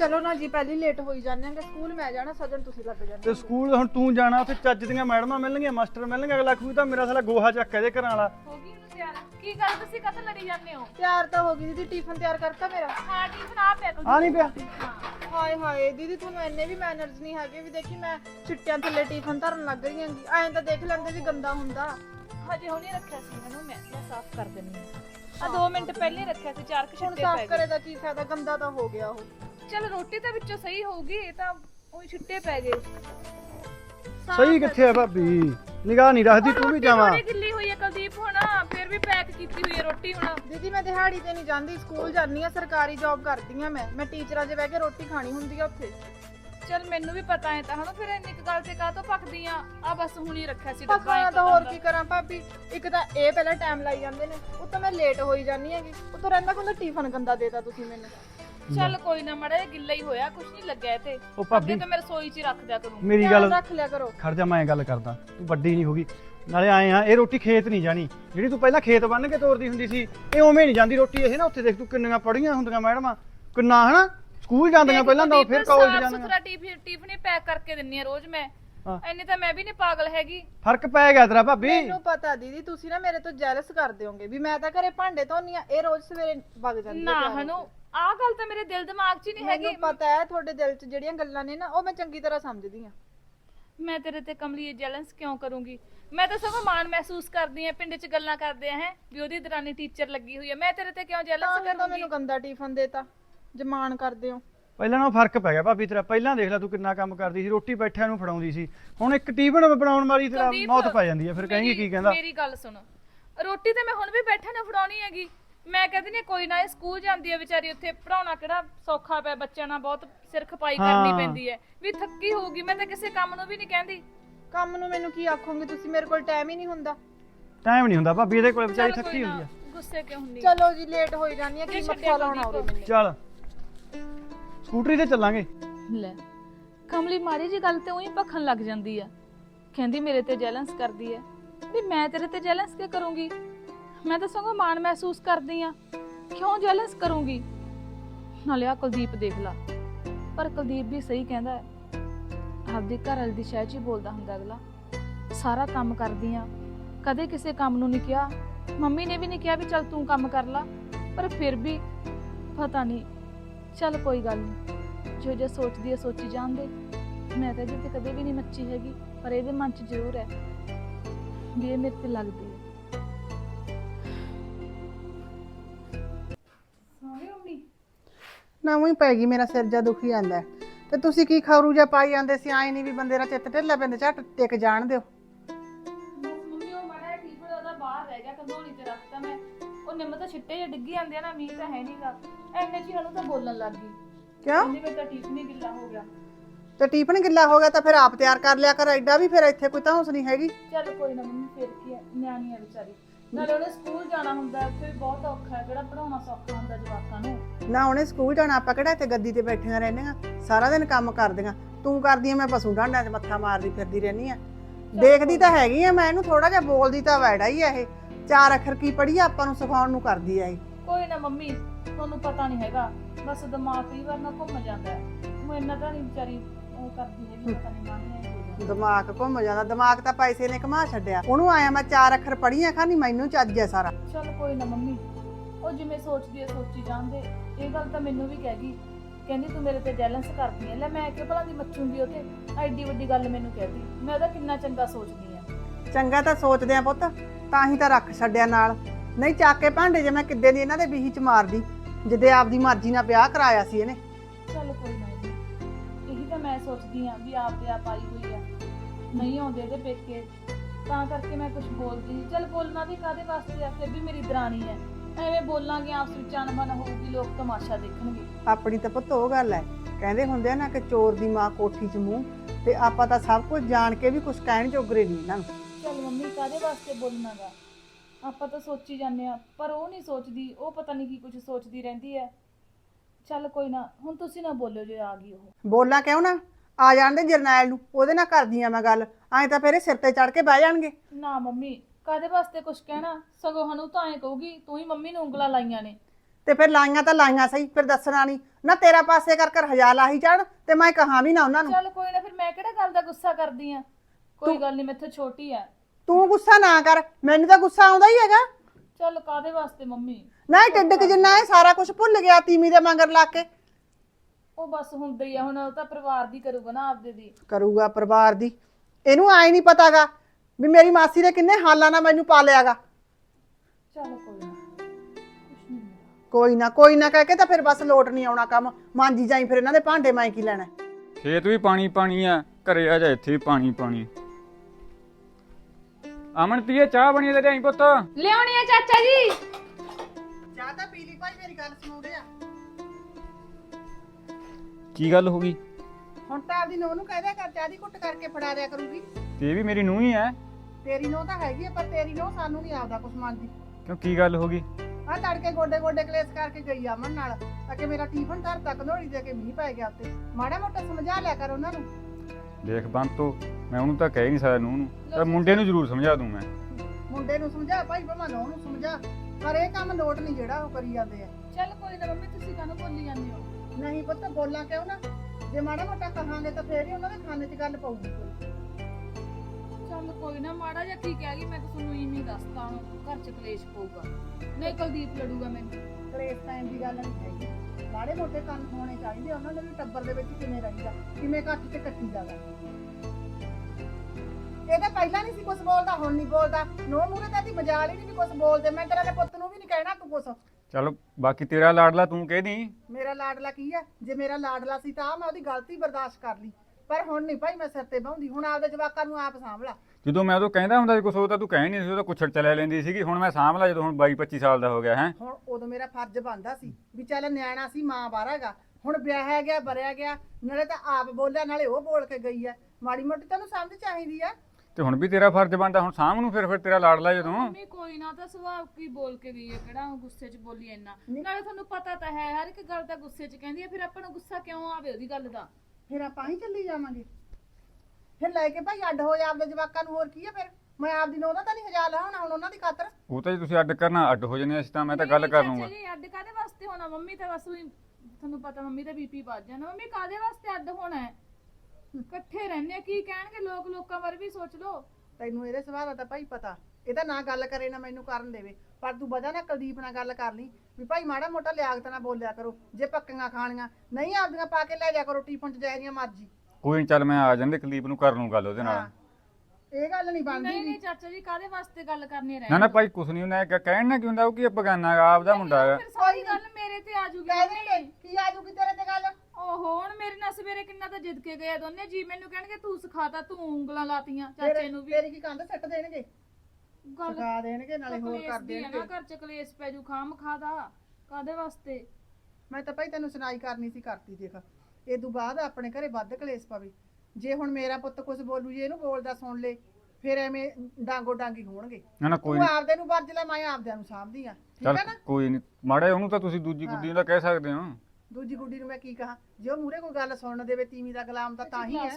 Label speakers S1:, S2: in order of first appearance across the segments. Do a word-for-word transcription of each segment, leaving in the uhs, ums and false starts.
S1: चलो ना जी पहले लेट हो ही जाने स्कूल मैं जाना सजन तुसी लग जाने
S2: ਤੇ ਸਕੂਲ ਹੁਣ ਤੂੰ ਜਾਣਾ ਉੱਥੇ ਚੱਜ ਦੀਆਂ ਮੈਡਮਾਂ ਮਿਲਣਗੀਆਂ ਮਾਸਟਰ ਮਿਲਣਗੇ ਅਗਲਾ ਖੂ ਤਾਂ ਮੇਰਾ ਸਾਲਾ ਗੋਹਾ ਚੱਕ ਇਹਦੇ ਘਰਾਂ ਵਾਲਾ
S3: ਹੋ ਗਈ ਉਹਨੂੰ ਤਿਆਰ ਕੀ ਗੱਲ ਤੁਸੀਂ ਕਦੋਂ ਲੜੀ ਜਾਂਦੇ ਹੋ
S1: तैयार तो होगी दीदी टिफिन तैयार करता मेरा
S3: ਹਾਂ ਟਿਫਨ ਆ ਪਿਆ
S2: ਆ ਨਹੀਂ ਪਿਆ
S1: हाय हाय दीदी तुम इन्ने भी मैनर्स नहीं है भी देखी मैं चिट्टियां थल्ले टिफिन धरन लग रही हांगी ऐं ਤਾਂ देख ਲੈਂਦੇ ਵੀ ਗੰਦਾ ਹੁੰਦਾ
S3: ਹਜੇ ਹੁਣੇ ਰੱਖਿਆ ਸੀ ਮੈਨੂੰ ਮੈਂ ਕਿਹਾ ਸਾਫ਼ ਕਰ ਦਿੰਨੀ ਆ ਦੋ ਮਿੰਟ ਪਹਿਲੇ ਰੱਖਿਆ ਸੀ ਚਾਰ ਕੁ
S1: ਹੁਣ
S3: ਛਿੱਟੇ
S1: ਸਾਫ਼
S3: ਪੈ
S1: ਕਰੇ
S3: ਗਏ
S1: ਦਾ ਕੀ ਫਾਇਦਾ ਗੰਦਾ ਤਾਂ ਹੋ ਗਿਆ ਉਹ
S3: ਚਲ ਰੋਟੀ ਤਾਂ ਵਿੱਚੋਂ ਸਹੀ ਹੋਊਗੀ ਇਹ ਤਾਂ ਉਹੀ ਛਿੱਟੇ ਪੈ ਗਏ
S2: ਸਹੀ ਕਿੱਥੇ ਆ ਭਾਬੀ ਨਿਗਾਹ ਨਹੀਂ ਰੱਖਦੀ ਤੂੰ ਵੀ ਜਾਵਾਂ
S3: ਥੋੜੀ ਗਿੱਲੀ ਹੋਈ ਹੈ ਕੁਲਦੀਪ ਹੁਣ ਫਿਰ ਵੀ ਪੈਕ ਕੀਤੀ ਹੋਈ ਹੈ ਰੋਟੀ ਹੁਣ
S1: ਦੀਦੀ ਮੈਂ ਦਿਹਾੜੀ ਤੇ ਨਹੀਂ ਜਾਂਦੀ ਸਕੂਲ ਜਾਂਦੀ ਆ ਸਰਕਾਰੀ ਜੌਬ ਕਰਦੀ ਆ ਮੈਂ ਮੈਂ ਟੀਚਰਾਂ 'ਚ ਬਹਿ ਕੇ ਰੋਟੀ ਖਾਣੀ ਹੁੰਦੀ ਆ ਉੱਥੇ
S3: ਚਲ ਮੈਨੂੰ ਵੀ ਪਤਾ ਹੈ ਤਾਂ ਹਨਾ ਫਿਰ ਇੰਨੀ ਕੁ ਗੱਲ ਤੇ ਕਾਹਤੋਂ ਪੱਕਦੀ ਆ ਆ ਬਸ ਹੁਣੀ ਰੱਖਿਆ ਸੀ ਡੱਬਾ
S1: ਪਕਾਣਾ
S3: ਇੱਕ
S1: ਤਾਂ ਹੋਰ
S3: ਦਾ।
S1: ਕੀ ਕਰਾਂ ਭਾਬੀ ਇੱਕ ਤਾਂ ਇਹ ਪਹਿਲਾਂ ਟਾਈਮ ਲਾਈ ਜਾਂਦੇ ਨੇ ਉਹ ਤਾਂ ਮੈਂ ਲੇਟ ਹੋਈ ਜਾਂਦੀ ਹੈਗੀ ਉਹ ਤੋਂ ਰਹਿੰਦਾ ਕੋਲ ਟਿਫਨ ਗੰਦਾ ਦੇਤਾ ਤੁਸੀਂ ਮੈਨੂੰ
S3: ਚੱਲ ਕੋਈ ਨਾ ਮੜਾ ਗਿੱਲਾ ਹੀ ਹੋਇਆ ਕੁਝ ਨਹੀਂ ਲੱਗਿਆ ਇਹ ਤੇ
S2: ਉਹ ਭਾਬੀ
S3: ਅੱਗੇ ਤਾਂ ਮੈਂ ਰਸੋਈ 'ਚ ਹੀ ਰੱਖ ਦਿਆ ਕਰੂੰ
S2: ਮੇਰੀ
S1: ਧਿਆਨ
S2: ਗੱਲ
S1: ਰੱਖ ਲਿਆ ਕਰੋ
S2: ਖੜ ਜਾ ਮੈਂ ਗੱਲ ਕਰਦਾ ਤੂੰ ਵੱਡੀ ਨਹੀਂ ਹੋਗੀ ਨਾਲੇ ਆਏ ਆ ਇਹ ਰੋਟੀ ਖੇਤ ਨਹੀਂ ਜਾਣੀ ਜਿਹੜੀ ਤੂੰ ਪਹਿਲਾਂ ਖੇਤ ਬੰਨ ਕੇ ਤੋਰਦੀ ਹੁੰਦੀ ਸੀ ਇਹ ਉਵੇਂ ਨਹੀਂ ਜਾਂਦੀ ਰੋਟੀ ਇਹ ਨਾ ਉੱਥੇ ਦੇਖ ਤੂੰ ਕਿੰਨੀਆਂ ਪੜੀਆਂ ਹੁੰਦੀਆਂ ਮੈਡਮਾਂ ਕਿੰਨਾ ਹਨਾ ਸਕੂਲ ਜਾਂਦੀਆਂ ਪਹਿਲਾਂ ਤਾਂ ਫਿਰ ਕਾਲਜ ਜਾਂਦੀਆਂ
S3: ਸੁਥਰਾ ਟਿਫਿਨ ਟਿਫਨ ਹੀ ਪੈਕ ਕਰਕੇ ਦਿੰਨੀ ਆ ਰੋਜ਼ ਮੈਂ
S2: ਹਾਂ।
S3: ਐਨੇ ਤਾਂ ਮੈਂ ਵੀ ਨਹੀਂ ਪਾਗਲ ਹੈਗੀ
S2: ਫਰਕ ਪੈ ਗਿਆ ਤੇਰਾ ਭਾਬੀ
S1: ਮੈਨੂੰ ਪਤਾ ਦੀਦੀ ਤੁਸੀਂ ਨਾ ਮੇਰੇ ਤੋਂ ਜੈਲਸ ਕਰਦੇ ਹੋਗੇ ਵੀ ਮੈਂ ਤਾਂ ਘਰੇ ਭਾਂਡੇ ਧੋਨੀ ਆ ਇਹ ਰੋਜ਼ ਸਵੇਰੇ ਵਗ ਜਾਂਦੀ
S3: ਨਾ ਹਨੂ ਆਹ ਗੱਲ ਤਾਂ ਮੇਰੇ ਦਿਲ ਦਿਮਾਗ 'ਚ ਹੀ ਨਹੀਂ ਹੈਗੀ
S1: ਮੈਨੂੰ ਪਤਾ ਹੈ ਤੁਹਾਡੇ ਦਿਲ 'ਚ ਜਿਹੜੀਆਂ ਗੱਲਾਂ ਨੇ ਨਾ ਉਹ ਮੈਂ ਚੰਗੀ ਤਰ੍ਹਾਂ ਸਮਝਦੀ ਆ
S3: ਮੈਂ ਤੇਰੇ ਤੇ ਕਮਲੀ ਜੈਲੈਂਸ ਕਿਉਂ ਕਰੂੰਗੀ ਮੈਂ ਤਾਂ ਸਗੋਂ ਮਾਣ ਮਹਿਸੂਸ ਕਰਦੀ ਆ ਪਿੰਡ 'ਚ ਗੱਲਾਂ ਕਰਦੇ ਆ ਹੈ ਵੀ ਉਹਦੀ ਦਰਾਨੀ ਟੀਚਰ ਲੱਗੀ ਹੋਈ ਆ ਮੈਂ ਤੇਰੇ ਤੇ ਕਿਉਂ ਜੈਲੈਂਸ
S1: ਤਾਂ
S3: ਕਰੂੰਗੀ
S1: ਮੈਨੂੰ ਗੰਦਾ ਟਿਫਨ ਦੇਤਾ ਜਮਾਨ ਕਰਦੇ ਹੋ
S2: ਪਹਿਲਾਂ ਨਾਲੋਂ ਫਰਕ ਪੈ ਗਿਆ ਭਾਬੀ ਤੇਰਾ ਪਹਿਲਾਂ ਦੇਖ ਲੈ ਤੂੰ ਕਿੰਨਾ ਕੰਮ ਕਰਦੀ ਸੀ ਰੋਟੀ ਬੈਠਿਆਂ ਨੂੰ ਫੜਾਉਂਦੀ ਸੀ ਹੁਣ ਇੱਕ ਟੀਫਨ ਬਣਾਉਣ ਵਾਲੀ ਤੇਰਾ
S3: ਕੁਲਦੀਪ,
S2: ਮੌਤ ਪੈ ਜਾਂਦੀ ਹੈ ਫਿਰ ਕਹੇਂਗੀ ਕੀ ਕਹਿੰਦਾ
S3: ਮੇਰੀ ਗੱਲ ਸੁਣ ਰੋਟੀ ਤੇ ਮੈਂ ਹੁਣ ਵੀ ਬੈਠਾ ਨਾ ਫੜਾਉਣੀ ਹੈਗੀ ਮੈਂ ਕਹਿੰਦੀ ਨੇ ਕੋਈ ਨਾ ਇਹ ਸਕੂਲ ਜਾਂਦੀ ਹੈ ਵਿਚਾਰੀ ਉੱਥੇ ਪੜਾਉਣਾ ਕਿਹੜਾ ਸੌਖਾ ਪਿਆ ਬੱਚਿਆਂ ਨਾਲ ਬਹੁਤ ਸਿਰ ਖਪਾਈ ਕਰਨੀ
S2: ਹਾਂ।
S3: ਪੈਂਦੀ ਹੈ ਵੀ ਥੱਕੀ ਹੋਊਗੀ ਮੈਂ ਤਾਂ ਕਿਸੇ ਕੰਮ ਨੂੰ ਵੀ ਨਹੀਂ ਕਹਿੰਦੀ
S1: ਕੰਮ ਨੂੰ ਮੈਨੂੰ ਕੀ ਆਖੋਗੇ ਤੁਸੀਂ ਮੇਰੇ ਕੋਲ ਟਾਈਮ ਹੀ ਨਹੀਂ ਹੁੰਦਾ
S2: ਟਾਈਮ ਨਹੀਂ ਹੁੰਦਾ ਭਾਬੀ ਇਹਦੇ ਕੋਲ ਵਿਚਾਰੀ
S3: ਚੱਲ
S2: ਥੱਕੀ
S3: ਕੋਈ ਨਾ,
S2: ਹੁੰਦੀ ਆ
S3: ਗੁੱਸੇ ਕਿਉਂ ਹੁੰਦੀ
S1: ਚਲੋ ਜੀ ਲੇਟ ਹੋਈ ਜਾਂਦੀ ਆ ਕੀ
S3: ਜੇ
S1: ਮੱਥਾ
S3: ਛੱਡਿਆ
S1: ਲਾਉਣਾ
S3: ਕੁਲਦੀਪ।
S1: ਹੋਵੇ ਮੈਨੂੰ
S2: ਚੱਲ ਸਕੂਟਰੀ ਤੇ ਚੱਲਾਂਗੇ
S3: ਲੈ ਕਮਲੀ ਮਾੜੀ ਜੀ ਗੱਲ ਤੇ ਉਹੀ ਭਖਣ ਲੱਗ ਜਾਂਦੀ ਆ ਕਹਿੰਦੀ ਮੇਰੇ ਤੇ ਜੈਲੈਂਸ ਕਰਦੀ ਹੈ ਵੀ ਮੈਂ ਤੇਰੇ ਤੇ ਜੈਲੈਂਸ ਕਿਉਂ ਕਰੂੰਗੀ ਮੈਂ ਤਾਂ ਸਗੋਂ ਮਾਣ ਮਹਿਸੂਸ ਕਰਦੀ ਆ ਕਿਉਂ ਜੈਲੈਂਸ ਕਰੂੰਗੀ ਨਾਲੇ ਆ ਕੁਲਦੀਪ ਦੇਖ ਲਾ ਪਰ ਕੁਲਦੀਪ ਵੀ ਸਹੀ ਕਹਿੰਦਾ ਹੈ ਆਪਦੇ ਘਰ ਵਾਲੀ ਦੀ ਸ਼ਹਿ 'ਚ ਹੀ ਬੋਲਦਾ ਹੁੰਦਾ ਅਗਲਾ ਸਾਰਾ ਕੰਮ ਕਰਦੀ ਆ ਕਦੇ ਕਿਸੇ ਕੰਮ ਨੂੰ ਨਹੀਂ ਕਿਹਾ ਮੰਮੀ ਨੇ ਵੀ ਨਹੀਂ ਕਿਹਾ ਵੀ ਚੱਲ ਤੂੰ ਕੰਮ ਕਰ ਲਾ ਪਰ ਫਿਰ ਵੀ ਪਤਾ ਨਹੀਂ ਚੱਲ ਕੋਈ ਗੱਲ ਨਹੀਂ ਜੋ ਜੋ ਸੋਚਦੀ ਹੈ ਸੋਚੀ ਜਾਂਦੇ ਮੈਂ ਤਾਂ ਇਹਦੇ ਤੇ ਕਦੇ ਵੀ ਨਹੀਂ ਮੱਚੀ ਹੈਗੀ ਪਰ ਇਹਦੇ ਮਨ 'ਚ ਜ਼ਰੂਰ ਹੈ ਵੀ ਇਹ ਮੇਰੇ ਤੇ ਲੱਗਦੀ ਹੈ ਸਾਰੇ ਮੰਮੀ
S4: ਨਾ ਉਹੀ ਪੈ ਗਈ ਮੇਰਾ ਸਿਰ ਜਾ ਦੁਖੀ ਜਾਂਦਾ ਤੇ ਤੁਸੀਂ ਕੀ ਖਰੂ ਜਾ ਪਾਈ ਜਾਂਦੇ ਸੀ ਆਏ ਨਹੀਂ ਵੀ ਬੰਦੇ ਦਾ ਚਿੱਤ ਢਿੱਲਾ ਪੈਂਦਾ ਝੱਟ ਟਿਕ ਜਾਣ ਦਿਓ
S3: ਮੰਮੀ ਉਹ ਮਾੜਾ ਟੀਫਨ ਉਹਦਾ ਬਾਹਰ ਰਹਿ ਗਿਆ ਕੰਧੋਲੀ ਤੇ ਰੱਖਤਾ ਮੈਂ ਉਹ ਨਿੰਮ ਤਾਂ ਛਿੱਟੇ ਜਿਹੇ ਡਿੱਗੀ ਜਾਂਦੇ ਆ ਨਾ ਮੀਂਹ ਤਾਂ ਹੈ ਨਹੀਂਗਾ ਐਨੇ ਚ ਹਨੂੰ ਤਾਂ ਬੋਲਣ ਲੱਗ ਗਈ
S4: ਕਿਉਂ
S3: ਕਹਿੰਦੀ ਮੇਰਾ ਤਾਂ ਟੀਫਨ ਹੀ ਗਿੱਲਾ ਹੋ ਗਿਆ
S4: ਤੇ ਟਿਫਨ ਗਿੱਲਾ ਹੋ ਗਿਆ ਤਾਂ ਫਿਰ ਆਪ ਤਿਆਰ ਕਰ ਲਿਆ ਕਰ ਐਡਾ ਵੀ ਫਿਰ ਇੱਥੇ ਕੋਈ ਤਾਂ ਨਹੀਂ ਹੈਗੀ
S3: ਚੱਲ ਕੋਈ ਨਾ ਮੰਮੀ ਫਿਰ ਕੀ ਹੈ ਨਿਆਣੀ ਆ ਵਿਚਾਰੀ ਨਾਲੇ ਉਹਨੇ ਸਕੂਲ ਜਾਣਾ ਹੁੰਦਾ ਉੱਥੇ ਵੀ ਬਹੁਤ ਔਖਾ ਹੈ ਕਿਹੜਾ ਪੜਾਉਣਾ ਸੌਖਾ ਹੁੰਦਾ ਜਵਾਕਾਂ ਨੂੰ
S4: ਨਾ ਉਹਨੇ ਸਕੂਲ ਜਾਣਾ ਆਪਾਂ ਕਿਹੜਾ ਇੱਥੇ ਗੱਦੀ ਤੇ ਬੈਠੀਆਂ ਰਹਿੰਦੀਆਂ ਸਾਰਾ ਦਿਨ ਕੰਮ ਕਰਦੀਆਂ ਤੂੰ ਕਰਦੀ ਆ ਮੈਂ ਪਸ਼ੂ ਢਾਂਡਿਆਂ 'ਚ ਮੱਥਾ ਮਾਰਦੀ ਫਿਰਦੀ ਰਹਿੰਦੀ ਆ ਦੇਖਦੀ ਤਾਂ ਹੈਗੀ ਆ ਮੈਂ ਇਹਨੂੰ ਥੋੜਾ ਜਿਹਾ ਬੋਲਦੀ ਤਾਂ ਵੈੜਾ ਹੀ ਆ ਇਹ ਚਾਰ ਅੱਖਰ ਕੀ ਪੜ੍ਹੀ ਆਪਾਂ ਨੂੰ ਸਿਖਾਉਣ ਨੂੰ ਕਰਦੀ ਆ ਇਹ
S3: ਕੋਈ ਨਾ ਮੰਮੀ ਤੁਹਾਨੂੰ ਪਤਾ ਨਹੀਂ ਹੈਗਾ ਬਸ ਦਿਮਾਗ ਕਈ ਵਾਰ ਨਾ ਘੁੰਮ ਜਾਂਦਾ ਹੈ ਮੈਂ ਇੰਨਾ ਤਾਂ ਨਹੀਂ ਵਿਚਾਰੀ ਉਹ ਕਰਦੀ ਹੈਗੀ ਪਤਾ ਨਹੀਂ ਮੰਨਿਆ ਹੀ
S4: ਦਿਮਾਗ ਘੁੰਮ ਜਾਂਦਾ ਦਿਮਾਗ ਤਾਂ ਪੈਸੇ ਨੇ ਘਮਾ ਛੱਡਿਆ ਉਹਨੂੰ ਆਇਆ ਮੈਂ ਚਾਰ ਅੱਖਰ ਪੜ੍ਹੀਆਂ ਖਾਨੀ ਮੈਨੂੰ ਚੱਜ ਹੈ ਸਾਰਾ
S3: ਚੱਲ ਕੋਈ ਨਾ ਮੰਮੀ ਉਹ ਜਿਵੇਂ ਸੋਚਦੀ ਹੈ ਸੋਚੀ ਜਾਂਦੇ ਇਹ ਗੱਲ ਤਾਂ ਮੈਨੂੰ ਵੀ ਕਹਿ ਗਈ ਕਹਿੰਦੀ ਤੂੰ ਮੇਰੇ ਤੇ ਜੈਲੈਂਸ ਕਰਦੀ ਹੈ ਲੈ ਮੈਂ ਕਿ ਭਲਾ ਦੀ ਮੱਚੂਗੀ ਉਹ ਤੇ ਐਡੀ ਵੱਡੀ ਗੱਲ ਮੈਨੂੰ ਕਹਿਦੀ ਮੈਂ ਉਹਦਾ ਕਿੰਨਾ ਚੰਗਾ ਸੋਚਦੀ ਆ
S4: ਚੰਗਾ ਤਾਂ ਸੋਚਦੇ ਆ ਪੁੱਤ ਤਾਂ ਹੀ ਤਾਂ ਰੱਖ ਛੱਡਿਆ ਨਾਲ ਨਹੀਂ ਚੱਕ ਕੇ ਭਾਂਡੇ ਜੇ ਮੈਂ ਕਿੱਦੇ ਦੀ ਇਹਨਾਂ ਦੇ ਬੀਹੀ ਚ ਮਾਰਦੀ ਜਿੱਦੇ ਆਪਦੀ ਮਰਜ਼ੀ ਨਾਲ ਵਿਆਹ ਕਰਾਇਆ ਸੀ ਇਹਨੇ
S3: ਚੱਲ ਕੋਈ ਨਾ ਜੀ ਇਹੀ ਤਾਂ ਮੈਂ ਸੋਚਦੀ ਆ ਵੀ ਆਪ ਤੇ ਆਪ ਆਈ ਹੋਈ ਆ ਨਹੀਂ ਆਉਂਦੇ ਇਹਦੇ ਪੇਕੇ ਤਾਂ ਕਰਕੇ ਮੈਂ ਕੁਝ ਬੋਲਦੀ ਨਹੀਂ ਚੱਲ ਬੋਲਣਾ ਵੀ ਕਾਦੇ ਵਾਸਤੇ ਆ ਫਿਰ ਵੀ ਮੇਰੀ ਦਰਾਣੀ ਹੈ ਐਵੇਂ ਬੋਲਾਂਗੇ ਆਪਸ ਵਿੱਚ ਅਣਬਣ ਹੋਊਗੀ ਲੋਕ ਤਮਾਸ਼ਾ ਦੇਖਣਗੇ
S4: ਆਪਣੀ ਤਾਂ ਪੁੱਤ ਉਹ ਗੱਲ ਹੈ ਕਹਿੰਦੇ ਹੁੰਦੇ ਆ ਨਾ ਕਿ ਚੋਰ ਦੀ ਮਾਂ ਕੋਠੀ 'ਚ ਮੂੰਹ ਤੇ ਆਪਾਂ ਤਾਂ ਸਭ ਕੁਝ ਜਾਣ ਕੇ ਵੀ ਕੁਝ ਕਹਿਣ ਜੋਗਰੇ ਨਹੀਂ ਇਹਨਾਂ ਨੂੰ
S3: ਚੱਲ ਮੰਮੀ ਕਾਦੇ ਵਾਸਤੇ ਬੋਲਣਾਗਾ ਆਪਾਂ ਤਾਂ ਸੋਚੀ ਜਾਂਦੇ ਆ ਪਰ ਉਹ ਨਹੀਂ ਸੋਚਦੀ ਉਹ ਪਤਾ ਨਹੀਂ ਕੀ ਕੁਝ ਸੋਚਦੀ ਰਹਿੰਦੀ ਹੈ ਚੱਲ ਕੋਈ ਨਾ ਹੁਣ ਤੁਸੀਂ ਨਾ ਬੋਲਿਓ ਜੇ ਆ ਗਈ ਉਹ
S4: ਬੋਲਾਂ ਕਿਉਂ ਨਾ ਆ ਜਾਣਦੇ ਜਰਨੈਲ ਨੂੰ ਉਹਦੇ ਨਾਲ ਕਰਦੀ ਆ ਮੈਂ ਗੱਲ ਐਂ ਤਾਂ ਫਿਰ ਇਹ ਸਿਰ ਤੇ ਚੜ ਕੇ ਬਹਿ ਜਾਣਗੇ
S3: ਨਾ ਮੰਮੀ ਕਾਦੇ ਵਾਸਤੇ ਕੁਝ ਕਹਿਣਾ ਸਗੋਂ ਹਨੂੰ ਤਾਂ ਐਂ ਕਹੂਗੀ ਤੂੰ ਹੀ ਮੰਮੀ ਨੂੰ ਉਂਗਲਾਂ ਲਾਈਆਂ ਨੇ
S4: ਤੇ ਫਿਰ ਲਾਈਆਂ ਤਾਂ ਲਾਈਆਂ ਸਹੀ, ਫਿਰ ਦੱਸਣਾ ਨਹੀਂ ਨਾ। ਤੇਰਾ ਪਾਸੇ ਕਰ ਕਰ ਹਜਾ ਲਾਹੀ ਜਾਣ ਤੇ ਮੈਂ ਕਹਾਂ ਵੀ ਨਾ ਉਹਨਾਂ ਨੂੰ।
S3: ਚੱਲ ਕੋਈ ਨਾ, ਫਿਰ ਮੈਂ ਕਿਹੜਾ ਗੱਲ ਦਾ ਗੁੱਸਾ ਕਰਦੀ ਆ। ਕੋਈ ਗੱਲ ਨਹੀਂ, ਮੈਥੋਂ ਛੋਟੀ ਆ।
S4: ਤੂੰ ਗੁੱਸਾ ਨਾ ਕਰ, ਮੈਨੂੰ ਤਾਂ ਗੁੱਸਾ ਆਉਂਦਾ ਹੀ ਹੈਗਾ।
S3: ਚੱਲ ਕਾਦੇ ਵਾਸਤੇ ਮੰਮੀ?
S4: ਨਾ ਇਹ ਟਿੱਡਕ ਜਿੰਨਾ ਇਹ ਸਾਰਾ ਕੁਝ ਭੁੱਲ ਗਿਆ ਤੀਮੀ ਦੇ ਮਗਰ ਲਾ ਕੇ।
S3: ਉਹ ਬਸ ਹੁੰਦਾ ਹੀ ਆ, ਹੁਣ ਉਹ ਤਾਂ ਪਰਿਵਾਰ ਦੀ ਕਰੂਗਾ ਨਾ, ਆਪਦੇ ਦੀ
S4: ਕਰੂਗਾ ਪਰਿਵਾਰ ਦੀ। ਇਹਨੂੰ ਆਏ ਨਹੀਂ ਪਤਾਗਾ ਵੀ ਮੇਰੀ ਮਾਸੀ ਨੇ ਕਿੰਨੇ ਹਾਲਾਂ ਨਾਲ ਮੈਨੂੰ ਪਾਲਿਆਗਾ।
S3: ਚੱਲ ਕੋਈ ਨਾ, ਕੁਛ ਨਹੀਂ।
S4: ਕੋਈ ਨਾ ਕੋਈ ਨਾ ਕਹਿ ਕੇ ਤਾਂ ਫਿਰ ਬਸ ਲੋਟ ਨਹੀਂ ਆਉਣਾ ਕੰਮ। ਮਾਂਜੀ ਜਾਈ ਫਿਰ ਇਹਨਾਂ ਦੇ ਭਾਂਡੇ, ਮੈਂ ਕੀ ਲੈਣਾ।
S5: ਖੇਤ ਵੀ ਪਾਣੀ ਪਾਣੀ ਆ, ਘਰੇ ਆ ਜਾ ਇੱਥੇ ਵੀ ਪਾਣੀ ਪਾਣੀ। ਅਮਨ ਪੀਏ ਚਾਹ ਬਣੀ ਤੇ ਲਿਆਈ ਪੁੱਤ।
S3: ਲਿਆਉਣੀ ਆ ਚਾਚਾ ਜੀ।
S4: ਚਾਹ ਤਾਂ ਪੀ ਲਈ ਭਾਈ, ਮੇਰੀ ਗੱਲ ਸੁਣੋ ਰਿਆ।
S5: ਕੀ ਗੱਲ ਹੋ ਗਈ?
S4: ਹੁਣ ਤਾਂ ਆਪਦੀ ਨੂੰਹ ਨੂੰ ਕਹਿ ਦਿਆ ਕਰ ਚਾਹ ਦੀ ਘੁੱਟ ਕਰਕੇ ਫੜਾ ਦਿਆ ਕਰੂਗੀ।
S5: ਤੇ ਇਹ ਵੀ ਮੇਰੀ ਨੂੰਹ ਹੀ ਐ।
S4: ਤੇਰੀ ਨੂੰਹ ਤਾਂ ਹੈਗੀ ਆ, ਪਰ ਤੇਰੀ ਨੂੰਹ ਸਾਨੂੰ ਨਹੀਂ ਆਪਦਾ ਕੁਛ ਮੰਨਦੀ।
S5: ਕਿਉਂ ਕੀ ਗੱਲ ਹੋ ਗਈ?
S4: ਆ ਤੜਕੇ ਗੋਡੇ ਗੋਡੇ ਕਲੇਸ ਕਰਕੇ ਗਈ ਅਮਨ ਨਾਲ, ਤਾਂ ਕਿ ਮੇਰਾ ਟੀਫਨ ਧਰ ਤੱਕ ਨੋੜੀ ਦੇ ਕੇ ਮੀਂਹ ਪੈ ਗਿਆ ਉੱਤੇ। ਮਾੜਾ ਮੋਟਾ ਸਮਝਾ ਲਿਆ ਕਰ ਉਹਨਾਂ ਨੂੰ।
S5: ਦੇਖ ਬੰਤੋ, ਮੈਂ ਉਹਨੂੰ ਤਾਂ ਕਹਿ ਨਹੀਂ ਸਕਦਾ ਨੂੰਹ ਨੂੰ, ਪਰ ਮੁੰਡੇ ਨੂੰ ਜ਼ਰੂਰ ਸਮਝਾ ਦੂੰ ਮੈਂ।
S4: ਮੁੰਡੇ ਨੂੰ ਸਮਝਾ ਭਾਈ, ਭਾਵੇਂ ਨੂੰਹ ਨੂੰ ਸਮਝਾ, ਪਰ ਇਹ ਕੰਮ ਲੋਟ ਨਹੀਂ ਜਿਹੜਾ ਉਹ ਕਰੀ ਜਾਂਦੇ ਆ।
S3: ਚੱਲ ਕੋਈ ਨਾ ਮੰਮੀ, ਤੁਸੀਂ ਕਾਹਨੂੰ ਬੋਲੀ ਜਾਂਦੇ ਹੋ?
S4: ਨਹੀਂ ਪੁੱਤ, ਬੋਲਾਂ ਕਿਉਂ ਨਾ। ਜੇ ਮਾੜਾ ਮੋਟਾ ਕਹਾਂਗੇ ਤਾਂ ਫੇਰ ਹੀ ਉਹਨਾਂ ਦੇ ਖਾਣੇ 'ਚ ਗੱਲ ਪਊਗੀ ਕੋਈ।
S3: ਚੱਲ ਕੋਈ ਨਾ, ਮਾੜਾ ਜਿਹਾ ਕੀ ਕਹਿ ਗਈ, ਮੈਂ ਤਾਂ ਤੁਹਾਨੂੰ ਇਵੇਂ ਹੀ ਦੱਸਤਾ, ਹੁਣ ਘਰ ਚ ਕਲੇਸ਼ ਪਊਗਾ। ਨਹੀਂ ਕੁਲਦੀਪ ਲੜੂਗਾ ਮੈਨੂੰ।
S4: ਕਲੇਸ਼ ਟਾਈਮ ਦੀ ਗੱਲ ਨਹੀਂ ਹੈਗੀ। ਮਾੜੇ ਮੋਟੇ ਕੰਮ ਹੋਣੇ ਚਾਹੀਦੇ ਉਹਨਾਂ ਦੇ ਵੀ। ਟੱਬਰ ਦੇ ਵਿੱਚ ਕਿਵੇਂ ਰਹੀਦਾ, ਕਿਵੇਂ ਕੱਟ ਤੇ ਕੱਟੀ ਜਾਦਾ। ਇਹ ਤਾਂ ਪਹਿਲਾਂ ਨਹੀਂ ਸੀ ਕੁਝ ਬੋਲਦਾ, ਹੁਣ ਨਹੀਂ ਬੋਲਦਾ। ਨੋ ਮੂਰੇ ਤਾਂ ਦੀ ਮਜਾਲ ਹੀ ਨਹੀਂ ਵੀ ਕੁਝ ਬੋਲਦੇ। ਮੈਂ ਤੇਰੇ ਪੁੱਤ ਨੂੰ ਵੀ ਨਹੀਂ ਕਹਿਣਾ ਤੂੰ ਕੁਛ।
S5: ਚੱਲ ਬਾਕੀ ਤੇਰਾ ਲਾਡਲਾ ਤੂੰ ਕਹਿ ਦੀ।
S4: ਮੇਰਾ ਲਾਡਲਾ ਕੀ ਆ? ਜੇ ਮੇਰਾ ਲਾਡਲਾ ਸੀ ਤਾਂ ਮੈਂ ਉਹਦੀ ਗਲਤੀ ਬਰਦਾਸ਼ਤ ਕਰ ਲਈ, ਪਰ ਹੁਣ ਨਹੀਂ ਭਾਈ ਮੈਂ ਸਿਰ ਤੇ ਬਾਉਂਦੀ। ਹੁਣ ਆਪਦੇ ਜਵਾਕਾਂ ਨੂੰ ਆਪ ਸਾਂਭ ਲਾ।
S5: ਜਦੋਂ ਮੈਂ ਉਦੋਂ ਕਹਿੰਦਾ ਹੁੰਦਾ ਸੀ ਕੁਛ, ਉਹ ਤਾਂ ਤੂੰ ਕਹਿ ਨਹੀਂ ਸੀ, ਉਹ ਤਾਂ ਕੁੱਛੜ ਚਲਾ ਲੈਂਦੀ ਸੀਗੀ। ਹੁਣ ਮੈਂ ਸਾਂਭ ਲਾ, ਜਦੋਂ ਹੁਣ ਬਾਈ ਪੱਚੀ ਸਾਲ ਦਾ ਹੋ ਗਿਆ ਹੈ।
S4: ਹੁਣ ਉਦੋਂ ਮੇਰਾ ਫਰਜ਼ ਬਣਦਾ ਸੀ ਵੀ ਚੱਲ ਨਿਆਣਾ ਸੀ, ਮਾਂ ਬਾਹਰ ਹੈਗਾ। ਹੁਣ ਵਿਆਹਿਆ ਗਿਆ, ਬਰਿਆ ਗਿਆ, ਨਾਲੇ ਤਾਂ ਆਪ ਬੋਲਿਆ, ਨਾਲੇ ਉਹ ਬੋਲ ਕੇ ਗਈ ਹੈ। ਮਾੜੀ ਮੋਟੀ ਤੈਨੂੰ ਸਮਝ ਚਾਹੀਦੀ ਆ।
S5: ਤੇ ਹੁਣ ਵੀ ਤੇਰਾ ਫਰਜ਼ ਬਣਦਾ, ਹੁਣ ਸਾਂਭ ਨੂੰ ਫਿਰ ਫਿਰ ਤੇਰਾ ਲਾਡਲਾ ਜਦੋਂ।
S3: ਮੰਮੀ ਕੋਈ ਨਾ, ਤਾਂ ਸੁਭਾਅ ਕੀ ਬੋਲ ਕੇ ਗਈ ਹੈ, ਕਿਹੜਾ ਗੁੱਸੇ 'ਚ ਬੋਲੀ ਇੰਨਾ। ਨਾਲੇ ਤੁਹਾਨੂੰ ਪਤਾ ਤਾਂ ਹੈ ਹਰ ਇੱਕ ਗੱਲ ਦਾ ਗੁੱਸੇ 'ਚ ਕਹਿੰਦੀ ਹੈ, ਫਿਰ ਆਪਾਂ ਨੂੰ ਗੁੱਸਾ ਕਿਉਂ ਆਵੇ ਉਹਦੀ ਗੱਲ ਦਾ?
S4: ਫਿਰ ਆਪਾਂ ਹੀ ਚੱਲੀ ਜਾਵਾਂਗੇ। ਫਿਰ ਲੈ ਕੇ ਭਾਈ ਅੱਡ ਹੋ ਜਾ ਆਪਦੇ ਜਵਾਕਾਂ ਨੂੰ। ਹੋਰ ਕੀ ਆ ਫਿਰ? ਮੈਂ ਆਪਦੀ ਨੂੰਹ ਦਾ ਤਾਂ ਨਹੀਂ ਹਜਾ ਲਾਉਣਾ ਹੁਣ ਉਹਨਾਂ ਦੀ ਖਾਤਰ।
S5: ਉਹ ਤਾਂ ਜੇ ਤੁਸੀਂ ਅੱਡ ਕਰਨਾ ਅੱਡ ਹੋ ਜਨੇ, ਅਸੀਂ ਤਾਂ ਮੈਂ ਤਾਂ ਗੱਲ ਕਰ ਲੂੰਗਾ।
S3: ਜੀ ਅੱਡ ਕਾਦੇ ਵਾਸਤੇ ਹੋਣਾ ਮੰਮੀ? ਤਾਂ ਬਸ ਉਹੀ ਤੁਹਾਨੂੰ ਪਤਾ, ਮੰਮੀ ਦਾ ਬੀਪੀ ਵੱਧ ਜਾਂਦਾ। ਮੰਮੀ ਕਾਦੇ ਵਾਸਤੇ ਅੱਡ ਹੋਣਾ ਹੈ? ਇਕੱਠੇ ਰਹਿੰਦੇ, ਕੀ ਕਹਿਣਗੇ ਲੋਕ? ਲੋਕਾਂ ਬਾਰੇ ਵੀ ਸੋਚ ਲਓ।
S4: ਤੈਨੂੰ ਇਹਦੇ ਸੁਭਾਅ ਦਾ ਤਾਂ ਭਾਈ ਪਤਾ। ਇਹ ਤਾਂ ਨਾ ਗੱਲ ਕਰੇ ਨਾ ਮੈਨੂੰ ਕਰਨ ਦੇਵੇ, ਪਰ ਤੂੰ ਵਜ੍ਹਾ ਨਾ ਕੁਲਦੀਪ ਨਾਲ ਗੱਲ ਕਰ ਲਈ ਵੀ ਭਾਈ ਮਾੜਾ ਮੋਟਾ ਲਿਆਕਤ ਨਾਲ ਬੋਲਿਆ ਕਰੋ। ਜੇ ਪੱਕੀਆਂ ਖਾਣੀਆਂ ਨਹੀਂ ਆਪਦੀਆਂ ਪਾ ਕੇ ਲੈ ਜਾ ਕਰੋ ਟੀਫਨ 'ਚ ਜਾਇਰੀਆਂ ਮਰਜੀ।
S5: ਕੋਈ ਨਹੀਂ, ਚੱਲ ਮੈਂ ਆ ਜਾਂਦੇ ਕੁਲਦੀਪ ਨੂੰ ਕਰ ਲੂੰ ਗੱਲ ਉਹਦੇ ਨਾਲ।
S4: ਇਹ ਗੱਲ ਨਹੀਂ ਬਣਦੀ।
S3: ਨਹੀਂ ਨਹੀਂ ਚਾਚਾ ਜੀ, ਕਾਦੇ ਵਾਸਤੇ ਗੱਲ ਕਰਨੀ ਰਹਿ?
S5: ਨਾ ਨਾ ਭਾਈ ਕੁਛ ਨਹੀਂ ਹੁੰਦਾ, ਕਹਿਣ ਨਾ ਕੀ ਹੁੰਦਾ, ਉਹ ਕੀ ਬਗਾਨਾ ਆਪਦਾ ਮੁੰਡਾ ਹੈਗਾ।
S3: ਫਿਰ ਸਾਰੀ ਗੱਲ ਮੇਰੇ ਤੇ ਆ ਜੂਗੀ।
S4: ਕਹਿ ਦੇ ਕੀ ਆ ਜੂਗੀ ਤੇਰੇ ਤੇ ਗੱਲ।
S3: ਓਹੋ, ਹੁਣ ਮੇਰੇ ਨਾਲ ਸਵੇਰੇ ਕਿੰਨਾ ਤਾਂ ਜਿੱਦ ਕੇ ਗਏ ਦੋਨੇ ਜੀ। ਮੈਨੂੰ ਕਹਿਣਗੇ ਤੂੰ ਸਿਖਾਤਾ, ਤੂੰ ਉਂਗਲਾਂ ਲਾਤੀਆਂ ਚਾਚੇ ਨੂੰ ਵੀ।
S4: ਤੇਰੀ ਕੀ ਕੰਧ ਸੱਟ ਦੇਣਗੇ,
S3: ਗੱਲ
S4: ਸਿਖਾ ਦੇਣਗੇ, ਨਾਲੇ ਹੋਰ ਕਰ ਦੇਣਗੇ।
S3: ਨਾ ਘਰ ਚ ਕਲੇਸ਼ ਪੈ ਜੂ ਖਾਮ ਖਾਦਾ। ਕਾਦੇ ਵਾਸਤੇ?
S4: ਮੈਂ ਤਾਂ ਭਾਈ ਤੈਨੂੰ ਸੁਣਾਈ ਕਰਨੀ ਸੀ, ਕਰਤੀ। ਦੇਖ ਇਹ ਤੋਂ ਬਾਅਦ ਆਪਣੇ ਘਰੇ ਵੱਧ ਕਲੇਸ਼ ਪਵੇ। ਜੇ ਹੁਣ ਮੇਰਾ ਪੁੱਤ ਕੁਝ ਬੋਲੂ, ਜੇ ਇਹਨੂੰ ਬੋਲਦਾ ਸੁਣ ਲੇ, ਫਿਰ ਐਵੇਂ ਡਾਂਗੋ ਡਾਂਗੀ ਹੋਣਗੇ।
S5: ਨਾ ਨਾ ਕੋਈ
S4: ਤੂੰ ਆਪਦੇ ਨੂੰ ਵਰਜ ਲੈ, ਮੈਂ ਆਪਦਿਆਂ ਨੂੰ ਸਾਂਭਦੀ ਆ। ਠੀਕ
S5: ਚੱਲ
S4: ਹੈ ਨਾ?
S5: ਕੋਈ ਨਹੀਂ, ਮਾੜਾ ਉਹਨੂੰ ਤਾਂ ਤੁਸੀਂ ਦੂਜੀ ਗੁੱਡੀ ਨੂੰ ਤਾਂ ਕਹਿ ਸਕਦੇ ਹੋ।
S4: ਦੂਜੀ ਗੁੱਡੀ ਨੂੰ ਮੈਂ ਕੀ ਕਹਾਂ? ਜੇ ਉਹ ਮੂਰੇ ਕੋਈ ਗੱਲ ਸੁਣਨ ਦੇਵੇ ਤੀਵੀਂ ਦਾ ਗੁਲਾਮ ਤਾਂ ਤਾਂ ਹੀ ਹੈ।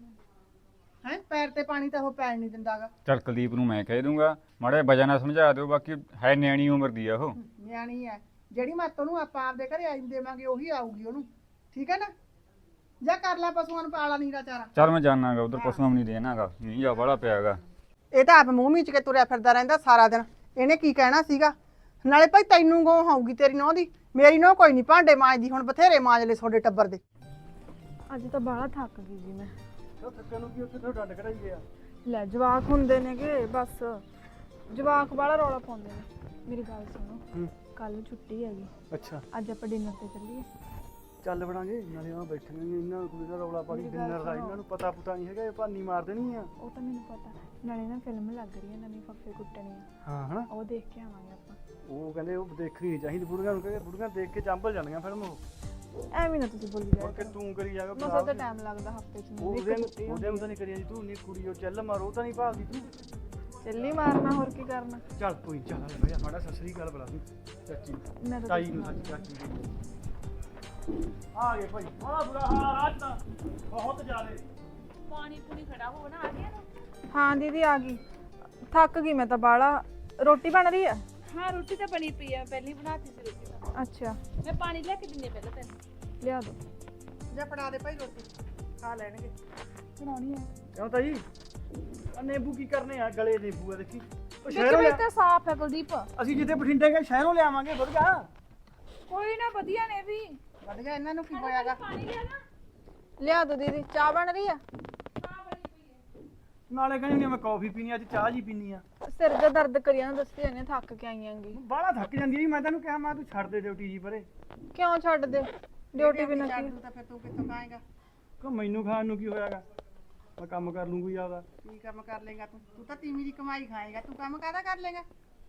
S4: ਹੈ ਪੈਰ ਤੇ ਪਾਣੀ ਤਾਂ ਉਹ ਪੈਣ ਨਹੀਂ ਦਿੰਦਾਗਾ।
S5: ਚੱਲ ਕੁਲਦੀਪ ਨੂੰ ਮੈਂ ਕਹਿ ਦੂੰਗਾ, ਮਾੜਾ ਵਜ੍ਹਾ ਨਾਲ ਸਮਝਾ ਦਿਓ। ਬਾਕੀ ਹੈ ਨਿਆਣੀ ਉਮਰ ਦੀ ਆ ਉਹ,
S4: ਨਿਆਣੀ ਹੈ। ਜਿਹੜੀ ਮੱਤ ਉਹਨੂੰ ਆਪਾਂ ਆਪਦੇ ਘਰੇ ਆਈ ਦੇਵਾਂਗੇ ਉਹੀ ਆਊਗੀ ਉਹਨੂੰ। ਠੀਕ ਹੈ ਨਾ? ਜਾਂ ਕਰ ਲੈ ਪਸ਼ੂਆਂ ਨੂੰ ਪਾਲਾ ਨੀਰਾ ਚਾਰਾ।
S5: ਚੱਲ ਮੈਂ ਜਾਣਾਗਾ ਉਧਰ, ਪਸ਼ੂਆਂ ਨੂੰ ਨਹੀਂ ਦੇਣਾਗਾ, ਨਹੀਂ ਜਾ ਬੜਾ ਪਿਆਗਾ।
S4: ਇਹ ਤਾਂ ਆਪ ਮੂੰਹ ਮੀਚ ਕੇ ਤੁਰਿਆ ਫਿਰਦਾ ਰਹਿੰਦਾ ਸਾਰਾ ਦਿਨ। ਇਹਨੇ ਕੀ ਕਹਿਣਾ ਸੀਗਾ? ਨਾਲੇ ਭਾਈ ਤੈਨੂੰ ਗੋ ਆਊਗੀ ਤੇਰੀ ਨੂੰਹ ਦੀ। ਮੇਰੀ ਨੂੰਹ ਕੋਈ ਨਹੀਂ ਭਾਂਡੇ ਮਾਂਜਦੀ। ਹੁਣ ਬਥੇਰੇ ਮਾਂਜ ਲੈ ਤੁਹਾਡੇ ਟੱਬਰ ਦੇ।
S1: ਅੱਜ ਤਾਂ ਬਾਹਲਾ ਥੱਕ ਗਈ ਜੀ ਮੈਂ।
S2: ਥੱਕਣ ਨੂੰ ਕੀ ਉੱਥੇ ਤੋਂ ਡੰਡ ਕਢਾਈ ਗਿਆ।
S1: ਲੈ ਜਵਾਕ ਹੁੰਦੇ ਨੇਗੇ, ਬਸ ਜਵਾਕ ਬਾਹਲਾ ਰੌਲਾ ਪਾਉਂਦੇ ਨੇ। ਮੇਰੀ ਗੱਲ ਸੁਣੋ, ਕੱਲ ਛੁੱਟੀ ਹੈਗੀ।
S2: ਅੱਛਾ,
S1: ਅੱਜ ਆਪਾਂ ਡਿਨਰ ਤੇ ਚੱਲੀਏ।
S2: ਚੱਲ ਬਣਾਂਗੇ। ਨਾਲੇ ਆ ਬੈਠਣਗੇ, ਇਹਨਾਂ ਨੂੰ ਕੋਈ ਦਾ ਰੌਲਾ ਪਾ ਕੇ ਡਿਨਰ ਦਾ ਇਹਨਾਂ ਨੂੰ ਪਤਾ ਪੁਤਾ ਨਹੀਂ ਹੈਗਾ, ਇਹ ਭਾਨੀ ਮਾਰ ਦੇਣੀ ਆ।
S1: ਉਹ ਤਾਂ ਮੈਨੂੰ ਪਤਾ। ਨਾਲੇ ਨਾ ਫਿਲਮ ਲੱਗ ਰਹੀ ਹੈ ਨਵੀਂ, ਫੱਫੇ ਕੁੱਟਣੀ ਆ।
S2: ਹਾਂ ਹਨਾ,
S1: ਉਹ ਦੇਖ ਕੇ ਆਵਾਂਗੇ ਆਪਾਂ।
S2: ਉਹ ਕਹਿੰਦੇ ਉਹ ਦੇਖਣੀ ਨਹੀਂ ਚਾਹੀਦੀ ਬੁੜੀਆਂ ਨੂੰ, ਕਹਿੰਦੇ ਬੁੜੀਆਂ ਦੇਖ ਕੇ ਚੰਬਲ ਜਾਂਦੀਆਂ ਫਿਲਮ। ਉਹ
S1: ਐਵੇਂ ਨਾ ਤੁਸੀਂ ਬੋਲੀ ਜਾਓ
S2: ਕਿ ਤੂੰ ਕਰੀ ਜਾਗਾ।
S1: ਮਸਾ ਤਾਂ ਟਾਈਮ ਲੱਗਦਾ ਹਫਤੇ ਚ।
S2: ਉਹਦੇ ਉਹਦੇ ਨੂੰ ਤਾਂ ਨਹੀਂ ਕਰੀ ਜਾਂਦੀ ਤੂੰ। ਨਹੀਂ ਕੁੜੀ ਉਹ ਚੱਲ ਮਾਰੋ ਤਾਂ ਨਹੀਂ ਭਾਲਦੀ ਤੂੰ।
S1: ਚੱਲੀ ਮਾਰਨਾ, ਹੋਰ ਕੀ ਕਰਨਾ।
S2: ਚੱਲ ਕੋਈ ਚੱਲ ਬਈ ਮਾੜਾ ਸਸਰੀ ਗੱਲ ਬੁਲਾ ਦੂੰ ਚਾਚੀ
S1: ਮੈਂ ਤਾਂ
S2: ਤਾਈ ਨੂੰ ਸੱਚ ਚਾਚੀ ਦੀ। ਆ ਗਏ ਭਾਈ, ਬੜਾ ਬੁਰਾ ਹਾਲ ਅੱਜ ਤਾਂ ਬਹੁਤ ਜ਼ਿਆਦੇ।
S3: ਪਾਣੀ ਪੂਣੀ ਖੜਾ ਹੋ ਨਾ, ਆ ਗਿਆ ਨਾ।
S1: ਹਾਂ ਦੀਦੀ ਆ ਗਈ। ਥੱਕ ਗਈ ਮੈਂ ਤਾਂ ਬਾਹਲਾ। ਰੋਟੀ ਬਣ ਰਹੀ ਆ?
S3: ਹਾਂ ਰੋਟੀ ਤਾਂ ਬਣੀ ਪਈ ਆ ਪਹਿਲਾਂ ਹੀ ਬਣਾਤੀ ਸੀ ਰੋਟੀ ਤਾਂ
S1: ਅੱਛਾ
S3: ਮੈਂ ਪਾਣੀ ਲੈ ਕੇ ਦਿੰਨੀ ਆ ਪਹਿਲਾਂ ਤੈਨੂੰ
S1: ਲਿਆ ਦੋ
S4: ਜਾਂ ਫੜਾ ਦੇ ਭਾਈ ਰੋਟੀ ਖਾ ਲੈਣਗੇ।
S3: ਬਣਾਉਣੀ ਆ
S2: ਕਿਉਂ ਤਾਈ ਆ ਨਿੰਬੂ ਕੀ ਕਰਨੇ ਆ ਗਲੇ ਨਿੰਬੂ ਆ ਦੇਖੀ ਉਹ
S3: ਵਿੱਚ
S2: ਸ਼ਹਿਰੋਂ
S3: ਵਿੱਚ
S2: ਲਿਆ
S3: ਤਾਂ ਸਾਫ਼ ਹੈ ਕੁਲਦੀਪ
S2: ਅਸੀਂ ਜਿੱਥੇ ਬਠਿੰਡੇ ਗਏ ਸ਼ਹਿਰੋਂ ਲਿਆਵਾਂਗੇ ਵਧੀਆ
S3: ਕੋਈ ਨਾ ਵਧੀਆ ਨੇ ਵੀ
S4: ਵਧੀਆ ਇਹਨਾਂ ਨੂੰ ਕੀ ਹੋਇਆਗਾ।
S3: ਪਾਣੀ ਲਿਆ ਨਾ
S1: ਲਿਆ ਦੋ ਦੀਦੀ ਚਾਹ ਬਣ ਰਹੀ ਆ
S2: ਨਾਲੇ ਕਹਿੰਦੀ ਹੁੰਦੀ ਆ ਮੈਂ ਕੌਫੀ ਪੀਣੀ ਅੱਜ ਚਾਹ ਜੀ ਪੀਣੀ ਆ
S1: ਸਿਰ ਦਾ ਦਰਦ ਕਰੀ ਜਾਂਦਾ ਦੱਸੀ ਜਾਂਦੇ ਥੱਕ ਕੇ ਆਈਆਂਗੀ
S2: ਬਾਹਲਾ ਥੱਕ ਜਾਂਦੀ ਆ ਮੈਂ ਤੈਨੂੰ ਕਿਹਾ ਮੈਂ ਤੂੰ ਛੱਡ ਦੇ ਡਿਊਟੀ ਜੀ ਪਰੇ
S1: ਕਿਉਂ ਛੱਡ ਦੇ ਡਿਊਟੀ ਵੀ ਨਾ
S4: ਛੱਡ
S1: ਕੀ
S4: ਦੂੰ ਤਾਂ ਫਿਰ ਤੂੰ ਕਿੱਥੋਂ ਖਾਏਗਾ?
S2: ਕਿ ਮੈਨੂੰ ਖਾਣ ਨੂੰ ਕੀ ਹੋਇਆਗਾ ਮੈਂ ਕੰਮ ਕਰ ਲੂੰ ਕੋਈ ਆਦਾ
S4: ਕੀ ਕੰਮ ਕਰ ਲੇਗਾ ਤੂੰ? ਤੂੰ ਤਾਂ ਤੀਵੀਂ ਦੀ ਕਮਾਈ ਖਾਏਗਾ, ਤੂੰ ਕੰਮ ਕਾਹਦਾ ਕਰ ਲੇਗਾ?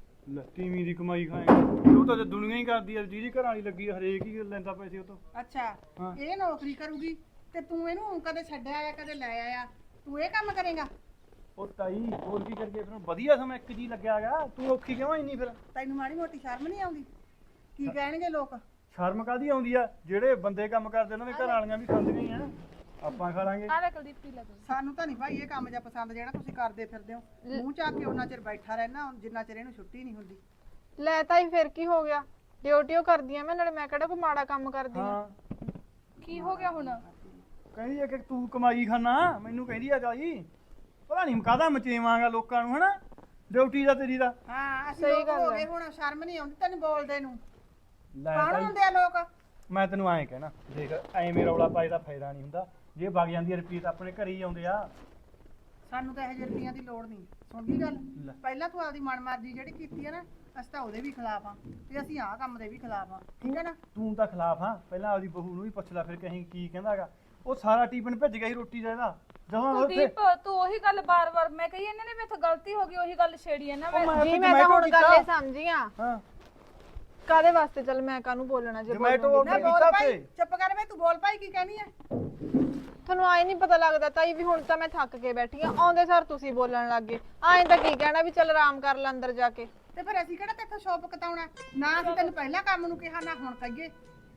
S2: ਤੀਵੀਂ ਦੀ ਕਮਾਈ ਖਾਏਗਾ ਉਹ ਤਾਂ ਦੁਨੀਆ ਹੀ ਕਰਦੀ ਆ ਜਿਹਦੀ ਘਰਾਂ ਵਾਲੀ ਲੱਗੀ ਆ, ਹਰੇਕ ਹੀ ਲੈਂਦਾ ਪੈਸੇ ਉਹ ਤੋਂ
S4: ਅੱਛਾ
S2: ਹਾਂ।
S4: ਇਹ ਨੌਕਰੀ ਕਰੂਗੀ ਤੇ ਤੂੰ ਇਹਨੂੰ ਕਦੇ ਛੱਡਿਆ ਆਇਆ ਕਦੇ ਲੈ ਆਇਆ, ਤੂੰ ਇਹ ਕੰਮ ਕਰੇਗਾ?
S2: ਉਹ ਤਾਈ ਹੋਰ ਕੀ ਕਰਕੇ ਫਿਰ ਵਧੀਆ ਸਮਾਂ ਇੱਕ ਜੀ ਲੱਗਿਆਗਾ ਤੂੰ ਔਖੀ ਕਿਉਂ ਇੰਨੀ ਫਿਰ
S4: ਤੈਨੂੰ ਮਾੜੀ ਮੋਟੀ ਸ਼ਰਮ ਨਹੀਂ ਆਉਂਦੀ? ਕੀ ਕਹਿਣਗੇ ਲੋਕ?
S2: ਸ਼ਰਮ ਕਾਦੀ ਆਉਂਦੀ ਆ ਜਿਹੜੇ ਬੰਦੇ ਕੰਮ ਕਰਦੇ ਉਹਨਾਂ ਦੇ ਘਰ ਵਾਲੀਆਂ ਵੀ ਖਾਂਦੀਆਂ ਹੀ ਆ ਆਪਾਂ ਖਾ ਲਾਂਗੇ
S3: ਆ ਲੈ ਕੁਲਦੀਪ ਪੀ ਲੈ ਤੂੰ
S4: ਸਾਨੂੰ ਤਾਂ ਨਹੀਂ ਭਾਈ ਇਹ ਕੰਮ ਜਿਹਾ ਪਸੰਦ ਜਿਹੜਾ ਤੁਸੀਂ ਕਰਦੇ ਫਿਰਦੇ ਹੋ। ਮੂੰਹ ਚੱਕ ਕੇ ਉਹਨਾਂ ਚਿਰ ਬੈਠਾ ਰਹਿਣਾ ਜਿੰਨਾ ਚਿਰ ਇਹਨੂੰ ਛੁੱਟੀ ਨਹੀਂ ਹੁੰਦੀ।
S1: ਲੈ ਤਾਈ ਫਿਰ ਕੀ ਹੋ ਗਿਆ ਡਿਊਟੀ ਉਹ ਕਰਦੀ ਆ ਮੈਂ ਨਾਲੇ ਮੈਂ ਕਿਹੜਾ ਕੋਈ ਮਾੜਾ ਕੰਮ ਕਰਦੀ ਆ
S2: ਹਾਂ
S3: ਕੀ ਹੋ ਗਿਆ ਹੁਣ
S2: ਕਹਿੰਦੀ ਆ ਕਿ ਤੂੰ ਕਮਾਈ ਖਾਨਾ ਮੈਨੂੰ ਕਹਿੰਦੀ ਆ ਤਾਈ ਪਤਾ ਨਹੀਂ ਕਾਹਦਾ ਮਚੇਵਾਂਗਾ ਲੋਕਾਂ ਨੂੰ ਹਨਾ ਡਿਊਟੀ ਦਾ ਤੇਰੀ ਦਾ
S4: ਹਾਂ ਅਸੀਂ
S1: ਸਹੀ
S4: ਲੋਕ
S1: ਗੱਲ
S4: ਹੋ
S1: ਹੈ।
S4: ਗਏ ਹੁਣ ਸ਼ਰਮ ਨਹੀਂ ਆਉਂਦੀ ਤੈਨੂੰ ਬੋਲਦੇ ਨੂੰ।
S2: ਲੈ
S4: ਕੌਣ
S2: ਤਾਈ
S4: ਹੁੰਦੇ ਆ ਲੋਕ?
S2: ਮੈਂ ਤੈਨੂੰ ਐਂ ਕਹਿਣਾ ਦੇਖ ਐਵੇਂ ਰੌਲਾ ਪਾਏ ਦਾ ਫਾਇਦਾ ਨਹੀਂ ਹੁੰਦਾ ਜੇ ਵਗ ਜਾਂਦੀ ਆ ਰੁਪਈਏ ਤਾਂ ਆਪਣੇ ਘਰੇ ਹੀ ਆਉਂਦੇ ਆ
S4: ਸਾਨੂੰ ਤਾਂ ਇਹ ਜਿਹੇ ਰੁਪਈਆਂ ਦੀ ਲੋੜ ਨਹੀਂ। ਸੁਣ ਗਈ ਗੱਲ?
S2: ਲੈ।
S4: ਪਹਿਲਾਂ ਤੂੰ ਆਪਦੀ ਮਨਮਰਜ਼ੀ ਜਿਹੜੀ ਕੀਤੀ ਹੈ ਨਾ, ਅਸੀਂ ਤਾਂ ਉਹਦੇ ਵੀ ਖਿਲਾਫ ਆ ਤੇ ਅਸੀਂ ਆਹ ਕੰਮ ਦੇ ਵੀ ਖਿਲਾਫ ਆ, ਠੀਕ ਹੈ ਨਾ?
S2: ਤੂੰ ਤਾਂ ਖਿਲਾਫ ਹਾਂ ਪਹਿਲਾਂ ਆਪਦੀ ਬਹੂ ਨੂੰ ਵੀ ਪੁੱਛ ਲੈ ਫਿਰ ਕਹੀਂ ਕੀ ਕਹਿੰਦਾਗਾ ਉਹ ਸਾਰਾ ਟੀਫਨ ਭਿੱਜ ਗਿਆ ਸੀ ਰੋਟੀ ਦਾ ਇਹਦਾ ਜਦੋਂ ਉੱਥੇ
S3: ਕੁਲਦੀਪ ਤੂੰ ਉਹੀ ਗੱਲ ਬਾਰ-ਬਾਰ ਮੈਂ ਕਹੀ ਇਹਨਾਂ ਨੇ ਮੇਥੋਂ ਗਲਤੀ ਹੋ ਗਈ ਉਹੀ ਗੱਲ ਛੇੜੀ ਹੈ ਨਾ
S2: ਉਹ
S3: ਮੈਂ
S2: ਮੈਂ
S1: ਜੀ
S2: ਉੱਥੇ
S1: ਮੈਂ ਤਾਂ
S2: Zomato
S1: ਹੁਣ ਗੱਲ ਇਹ
S2: ਕੀਤਾ।
S1: ਸਮਝੀ ਆ
S2: ਹਾਂ
S1: ਕਾਦੇ ਵਾਸਤੇ ਚੱਲ ਮੈਂ ਕਾਹਨੂੰ ਬੋਲਣਾ ਜੇ
S2: Zomato
S1: ਬੋਲੂੰਗੀ।
S4: ਨਾ
S2: order
S4: ਬੋਲ
S2: ਕੀਤਾ
S4: ਭਾਈ,
S2: ਤੇ
S4: ਚੁੱਪ ਕਰ ਵੇ, ਤੂੰ ਬੋਲ ਭਾਈ ਕੀ ਕਹਿਣੀ ਹੈ?
S1: ਤੁਹਾਨੂੰ ਆਏ ਨਹੀਂ ਪਤਾ ਲੱਗਦਾ ਤਾਈ ਵੀ ਹੁਣ ਤਾਂ ਮੈਂ ਥੱਕ ਕੇ ਬੈਠੀ ਆ ਆਉਂਦੇ ਸਰ ਤੁਸੀਂ ਬੋਲਣ ਲੱਗ ਗਏ ਆਏ ਤਾਂ ਕੀ ਕਹਿਣਾ ਵੀ ਚੱਲ ਆਰਾਮ ਕਰ ਲੈ ਅੰਦਰ ਜਾ ਕੇ
S4: ਤੇ ਫਿਰ ਅਸੀਂ ਕਿਹੜਾ ਤੇਥੋਂ ਸ਼ੋਪ ਕਤਾਉਣਾ? ਨਾ ਅਸੀਂ ਤੈਨੂੰ ਪਹਿਲਾਂ ਕੰਮ ਨੂੰ ਕਿਹਾ ਨਾ ਹੁਣ ਕਹੀਏ।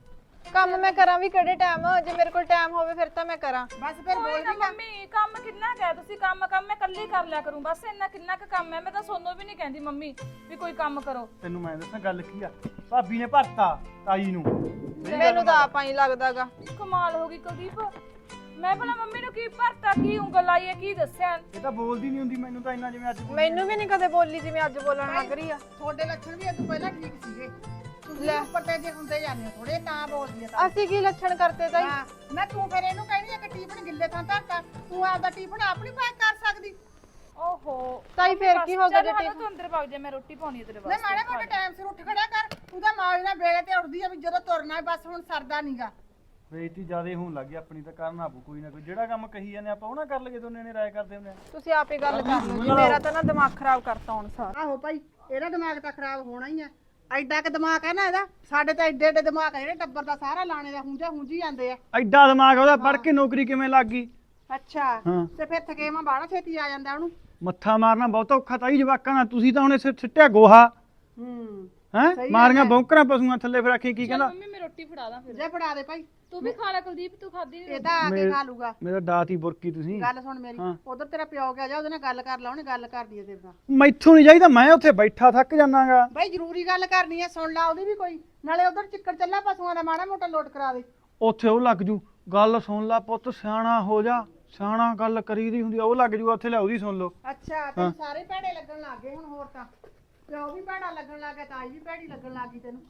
S1: ਕੰਮ ਮੈਂ ਕਰਾਂ ਵੀ ਕਿਹੜੇ ਟਾਈਮ ਜੇ ਮੇਰੇ ਕੋਲ ਟਾਈਮ ਹੋਵੇ ਫਿਰ ਤਾਂ ਮੈਂ ਕਰਾਂ
S4: ਬਸ ਫਿਰ
S3: ਕੋਈ
S4: ਬੋਲ
S3: ਨਾ
S4: ਵੀ ਨਾ।
S3: ਮੰਮੀ ਕੰਮ ਕਿੰਨਾ ਕੁ ਹੈ ਤੁਸੀਂ ਕੰਮ ਕੰਮ ਮੈਂ ਇਕੱਲੀ ਕਰ ਲਿਆ ਕਰੂੰ ਬਸ ਇੰਨਾ ਕਿੰਨਾ ਕੁ ਕੰਮ ਹੈ ਮੈਂ ਤਾਂ ਸੋਨੂੰ ਵੀ ਨਹੀਂ ਕਹਿੰਦੀ ਮੰਮੀ ਵੀ ਕੋਈ ਕੰਮ ਕਰੋ
S2: ਤੈਨੂੰ ਮੈਂ ਦੱਸਾਂ ਗੱਲ ਕੀ ਆ ਭਾਬੀ ਨੇ ਭਰਤਾ ਤਾਈ ਨੂੰ
S1: ਮੈਨੂੰ ਤਾਂ ਆਪਾਂ ਹੀ ਲੱਗਦਾਗਾ
S3: ਕਮਾਲ ਹੋ ਗਈ ਕੁਲਦੀਪ ਮੈਂ ਭਲਾ ਮੰਮੀ ਨੂੰ ਕੀ ਭਰਤਾ ਕੀ ਉਂਗਲ ਆਈ ਹੈ ਕੀ ਦੱਸਿਆ
S2: ਇਹ ਤਾਂ ਬੋਲਦੀ ਨਹੀਂ ਹੁੰਦੀ ਮੈਨੂੰ ਤਾਂ ਇੰਨਾ ਜਿਵੇਂ ਅੱਜ ਬੋਲੀ।
S1: ਮੈਨੂੰ ਵੀ ਨਹੀਂ ਕਦੇ ਬੋਲੀ ਜਿਵੇਂ ਅੱਜ ਬੋਲਣ ਲੱਗ ਰਹੀ ਆ
S4: ਤੁਹਾਡੇ ਲੱਛਣ ਵੀ ਤੂੰ ਪਹਿਲਾਂ ਠੀਕ ਸੀਗੇ। ਤੁਸੀਂ ਉੱਪਰ ਤੇ ਜੇ ਹੁੰਦੇ ਜਾਂਦੇ ਹੋ ਥੋੜੇ ਤਾਂ ਬੋਲਦੀ ਆ ਤਾਂ।
S1: ਅਸੀਂ ਕੀ ਲੱਛਣ ਕਰਤੇ ਤਾਈ
S4: ਹਾਂ, ਨਾ ਤੂੰ ਫਿਰ ਇਹਨੂੰ ਕਹਿਣੀ ਆ ਕਿ ਟੀਫਨ ਗਿੱਲੇ ਥਾਂ ਧਰਤਾ, ਤੂੰ ਆਪਦਾ ਟੀਫਨ ਆਪਣੀ ਪੈਕ ਕਰ ਸਕਦੀ।
S3: ਓਹੋ
S1: ਤਾਈ ਫਿਰ ਕੀ ਹੋ ਗਿਆ ਜੇ
S3: ਜੇ ਤੂੰ ਅੰਦਰ ਵਗ ਜਾ ਮੈਂ ਰੋਟੀ ਪਾਉਣੀ ਤੇਰੇ
S4: ਨਾ
S3: ਵਾਸਤੇ
S4: ਮਾੜੇ ਮੋਟੇ ਟਾਈਮ ਸਿਰ ਉੱਠ ਖੜਿਆ ਕਰ। ਤੂੰ ਤਾਂ ਮੌਜ ਨਾਲ ਵੇਲੇ ਤੇ ਉੱਠਦੀ ਆ ਵੀ ਜਦੋਂ ਤੁਰਨਾ ਹੈ ਬਸ ਹੁਣ ਸਰਦਾ ਨਹੀਂਗਾ।
S2: ਬੇਇੱਜ਼ਤੀ ਜ਼ਿਆਦੇ ਹੋਣ ਲੱਗੀ ਆਪਣੀ ਤਾਂ ਕਰਨਾ ਪਊ ਕੋਈ ਨਾ ਕੋਈ ਜਿਹੜਾ ਕੰਮ ਕਹੀ ਜਾਂਦੇ ਆਪਾਂ ਉਹ ਨਾ ਕਰ ਲਈਏ ਦੋਨੇ ਨੇ ਰਾਏ ਕਰਦੇ ਹੁੰਦੇ ਆ
S1: ਤੁਸੀਂ ਆਪੇ ਗੱਲ ਕਰ ਲਓ ਜੀ ਮੇਰਾ ਤਾਂ ਨਾ ਦਿਮਾਗ ਖਰਾਬ ਕਰਤਾ ਹੁਣ ਸਾਰ
S4: ਆਹੋ ਭਾਈ, ਇਹਦਾ ਦਿਮਾਗ ਤਾਂ ਖਰਾਬ ਹੋਣਾ ਹੀ ਆ। ਐਡਾ ਕਿ ਦਿਮਾਗ ਹੈ ਨਾ ਇਹਦਾ, ਸਾਡੇ ਤਾਂ ਐਡੇ ਐਡੇ ਦਿਮਾਗ ਹੈ ਜਿਹੜੇ ਟੱਬਰ ਦਾ ਸਾਰਾ ਲਾਣੇ ਦਾ ਹੁੰਜਾ ਹੁੰਜੀ ਜਾਂਦੇ ਆ।
S2: ਐਡਾ ਦਿਮਾਗ ਉਹਦਾ ਪੜ ਕੇ ਨੌਕਰੀ ਕਿਵੇਂ ਲੱਗ ਗਈ
S4: ਅੱਛਾ
S2: ਹਾਂ।
S4: ਤੇ ਫਿਰ ਥਕੇਵਾਂ ਬਾਹਲਾ ਛੇਤੀ ਆ ਜਾਂਦਾ ਉਹਨੂੰ।
S2: ਮੱਥਾ ਮਾਰਨਾ ਬਹੁਤ ਔਖਾ ਤਾਈ ਜਵਾਕਾਂ ਨਾਲ ਤੁਸੀਂ ਤਾਂ ਹੁਣ ਇਸੇ ਸਿੱਟਿਆ ਗੋਹਾ
S4: ਹੂੰ
S2: ਹੈ
S4: ਸਹੀ
S2: ਮਾਰੀਆਂ
S4: ਗੱਲ ਹੈ।
S2: ਬੌਂਕਰਾਂ ਪਸ਼ੂਆਂ ਥੱਲੇ ਫਿਰ ਆਖੀ ਕੀ ਕਹਿੰਦਾ
S3: ਮੰਮੀ ਮੈਂ ਰੋਟੀ ਫੜਾ ਦਾਂ ਫਿਰ
S4: ਜੇ ਫੜਾ ਦੇ ਭਾਈ,
S3: ਤੂੰ ਵੀ ਖਾ ਲੈ ਕੁਲਦੀਪ ਤੂੰ ਖਾਦੀ
S4: ਇਹ ਤਾਂ ਆ ਕੇ
S2: ਮੇਰੇ-
S4: ਖਾ ਲੂਗਾ।
S2: ਮੇਰਾ ਦਾਤ ਹੀ ਬੁਰਕੀ ਤੁਸੀਂ
S4: ਗੱਲ ਸੁਣ ਮੇਰੀ,
S2: ਹਾਂ।
S4: ਉਧਰ ਤੇਰਾ ਪਿਓ ਗਿਆ ਜਾ ਉਹਦੇ ਨਾਲ ਗੱਲ ਕਰ ਲਾ, ਉਹਨੇ ਗੱਲ ਕਰਦੀ ਹੈ ਤੇਰੇ ਨਾਲ।
S2: ਮੈਥੋਂ ਨਹੀਂ ਚਾਹੀਦਾ ਮੈਂ ਉੱਥੇ ਬੈਠਾ ਥੱਕ ਜਾਣਾਗਾ
S4: ਭਾਈ ਜ਼ਰੂਰੀ ਗੱਲ ਕਰਨੀ ਹੈ, ਸੁਣ ਲਾ ਉਹਦੀ ਵੀ ਕੋਈ। ਨਾਲੇ ਉਧਰ ਚਿੱਕੜ ਚੱਲਾ ਪਸ਼ੂਆਂ ਦਾ ਮਾੜਾ ਮੋਟਾ ਲੋਟ ਕਰਾ ਦੇ।
S2: ਉੱਥੇ ਉਹ ਲੱਗ ਜੂ ਗੱਲ ਸੁਣ ਲਾ ਪੁੱਤ ਸਿਆਣਾ ਹੋ ਜਾ ਸਿਆਣਾ ਗੱਲ ਕਰੀਦੀ ਹੁੰਦੀ ਆ, ਉਹ ਲੱਗ ਜੂ ਉੱਥੇ ਲੈ ਉਹਦੀ ਸੁਣ ਲਓ
S4: ਅੱਛਾ ਤੈਨੂੰ ਸਾਰੇ ਭੈੜੇ ਲੱਗਣ ਲੱਗ ਗਏ ਹੁਣ। ਹੋਰ ਤਾਂ ਪਿਓ ਵੀ ਭੈੜਾ ਲੱਗਣ ਲੱਗ ਗਿਆ, ਤਾਈ ਵੀ ਭੈੜੀ ਲੱਗਣ ਲੱਗ ਗਈ ਤੈਨੂੰ।